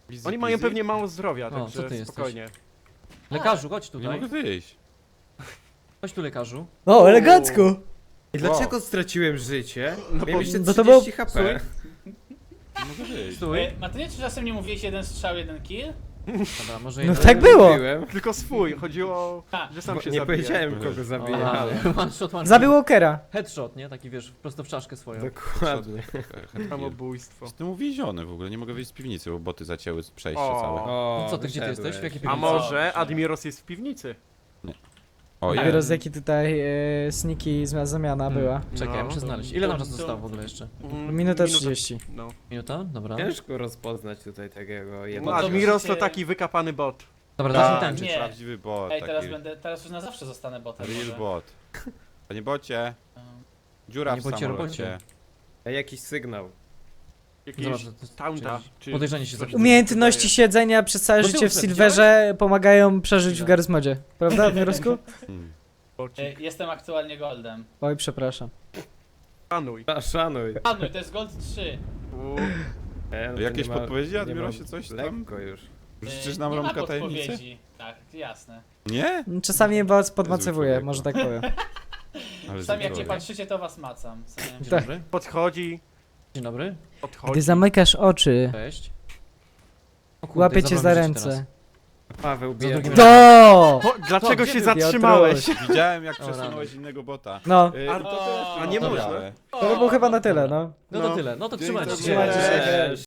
Speaker 1: Easy
Speaker 6: Oni mają
Speaker 1: peasy.
Speaker 6: pewnie mało zdrowia,
Speaker 4: O, co
Speaker 6: także
Speaker 4: ty jesteś?
Speaker 6: spokojnie.
Speaker 4: Lekarzu, chodź
Speaker 1: Nie
Speaker 4: tutaj.
Speaker 1: mogę wyjść.
Speaker 4: Chodź tu, lekarzu.
Speaker 3: O, elegancko!
Speaker 7: I dlaczego straciłem życie?
Speaker 6: No
Speaker 7: Miałem
Speaker 6: bo-
Speaker 7: jeszcze
Speaker 3: no to było-
Speaker 7: 30 HP.
Speaker 1: Nie mogę wyjść.
Speaker 4: Stój.
Speaker 5: Matynie, czy czasem nie mówiłeś jeden strzał, jeden kill?
Speaker 4: Dobra, może
Speaker 3: No
Speaker 4: jednak...
Speaker 3: tak było!
Speaker 7: Byłem,
Speaker 6: Tylko swój, chodziło o...
Speaker 5: Ha.
Speaker 6: że sam
Speaker 7: bo
Speaker 6: się
Speaker 7: nie
Speaker 6: zabije.
Speaker 7: powiedziałem kogo zabiję,
Speaker 4: Aha,
Speaker 7: ale...
Speaker 4: one shot, one
Speaker 3: Zabił
Speaker 4: kill.
Speaker 3: Walkera.
Speaker 4: Headshot, nie? Taki wiesz, prosto w czaszkę swoją.
Speaker 7: Dokładnie.
Speaker 6: Samobójstwo.
Speaker 1: Jestem uwięziony w ogóle, nie mogę wyjść z piwnicy, bo boty zacięły przejście
Speaker 6: O.
Speaker 1: całe.
Speaker 7: O,
Speaker 4: No co ty, gdzie ty
Speaker 7: wyszedłeś.
Speaker 4: jesteś? W jakiej
Speaker 6: A
Speaker 4: piwnicy?
Speaker 6: może Admiros jest w piwnicy?
Speaker 1: O,
Speaker 3: Dopiero
Speaker 1: jest.
Speaker 3: z jaki tutaj sneaky zamiana była.
Speaker 4: Czekaj,
Speaker 6: No.
Speaker 4: muszę znaleźć. Ile nam czasu zostało w ogóle jeszcze?
Speaker 3: Minuta 30.
Speaker 6: No.
Speaker 4: Minuta? Dobra.
Speaker 7: Ciężko rozpoznać tutaj takiego
Speaker 6: No,
Speaker 7: jednego.
Speaker 6: Admiros to
Speaker 5: możecie-
Speaker 6: taki wykapany bot.
Speaker 4: Dobra, zacznij
Speaker 1: Tak,
Speaker 4: tańczyć.
Speaker 5: Nie.
Speaker 1: prawdziwy bot,
Speaker 5: Ej, teraz
Speaker 1: taki
Speaker 5: teraz już na zawsze zostanę botem.
Speaker 1: real
Speaker 5: może.
Speaker 1: bot. Panie bocie, dziura
Speaker 4: Panie
Speaker 1: w
Speaker 4: bocie,
Speaker 1: samolocie.
Speaker 4: robocie.
Speaker 7: Ej, jakiś sygnał.
Speaker 6: Jakiś
Speaker 4: Zobacz, to jest-
Speaker 6: taunta. czy
Speaker 4: podejrzanie się
Speaker 6: coś
Speaker 4: zaczyna.
Speaker 3: Umiejętności siedzenia przez całe
Speaker 4: No
Speaker 3: życie w
Speaker 4: ty
Speaker 3: Silverze pomagają przeżyć w Garry's Modzie. Prawda, Admirosku?
Speaker 1: Hmm.
Speaker 6: Bocik.
Speaker 5: Jestem aktualnie goldem.
Speaker 3: Oj, przepraszam.
Speaker 6: Szanuj.
Speaker 7: Szanuj.
Speaker 5: Padły, to jest gold 3.
Speaker 7: No to
Speaker 1: Jakieś
Speaker 7: nie ma-
Speaker 1: podpowiedzi,
Speaker 7: nie
Speaker 1: Admirosie,
Speaker 7: ma-
Speaker 1: coś tam?
Speaker 7: Lekko już.
Speaker 1: Życzysz nam
Speaker 5: nie ma
Speaker 1: rąbka tajemnicy?
Speaker 5: podpowiedzi. Tak, jasne.
Speaker 1: Nie?
Speaker 3: Czasami was podmacowuje,
Speaker 1: człowieku.
Speaker 3: może tak powiem.
Speaker 1: Ale
Speaker 5: Sam jak nie
Speaker 1: zdrowie.
Speaker 5: patrzycie, to was macam.
Speaker 4: Dzień
Speaker 3: Tak.
Speaker 4: dobry.
Speaker 6: Podchodzi,
Speaker 4: Dzień dobry.
Speaker 6: odchodzi.
Speaker 3: Gdy zamykasz oczy,
Speaker 4: Cześć. O kurde,
Speaker 3: łapię cię za
Speaker 4: zabrałem życie
Speaker 3: ręce.
Speaker 7: Paweł
Speaker 4: Za
Speaker 7: bierze.
Speaker 4: drugim
Speaker 3: Do!
Speaker 6: Dlaczego
Speaker 4: gdzie
Speaker 6: się
Speaker 4: ty,
Speaker 6: zatrzymałeś?
Speaker 1: Widziałem jak
Speaker 4: O, rany.
Speaker 1: przesunąłeś innego bota.
Speaker 3: No,
Speaker 6: A nie
Speaker 5: O,
Speaker 6: można.
Speaker 1: Białe.
Speaker 3: to by było chyba na tyle, no.
Speaker 4: No to tyle, no to trzymajcie się.
Speaker 3: Trzymajcie się.
Speaker 7: Cześć.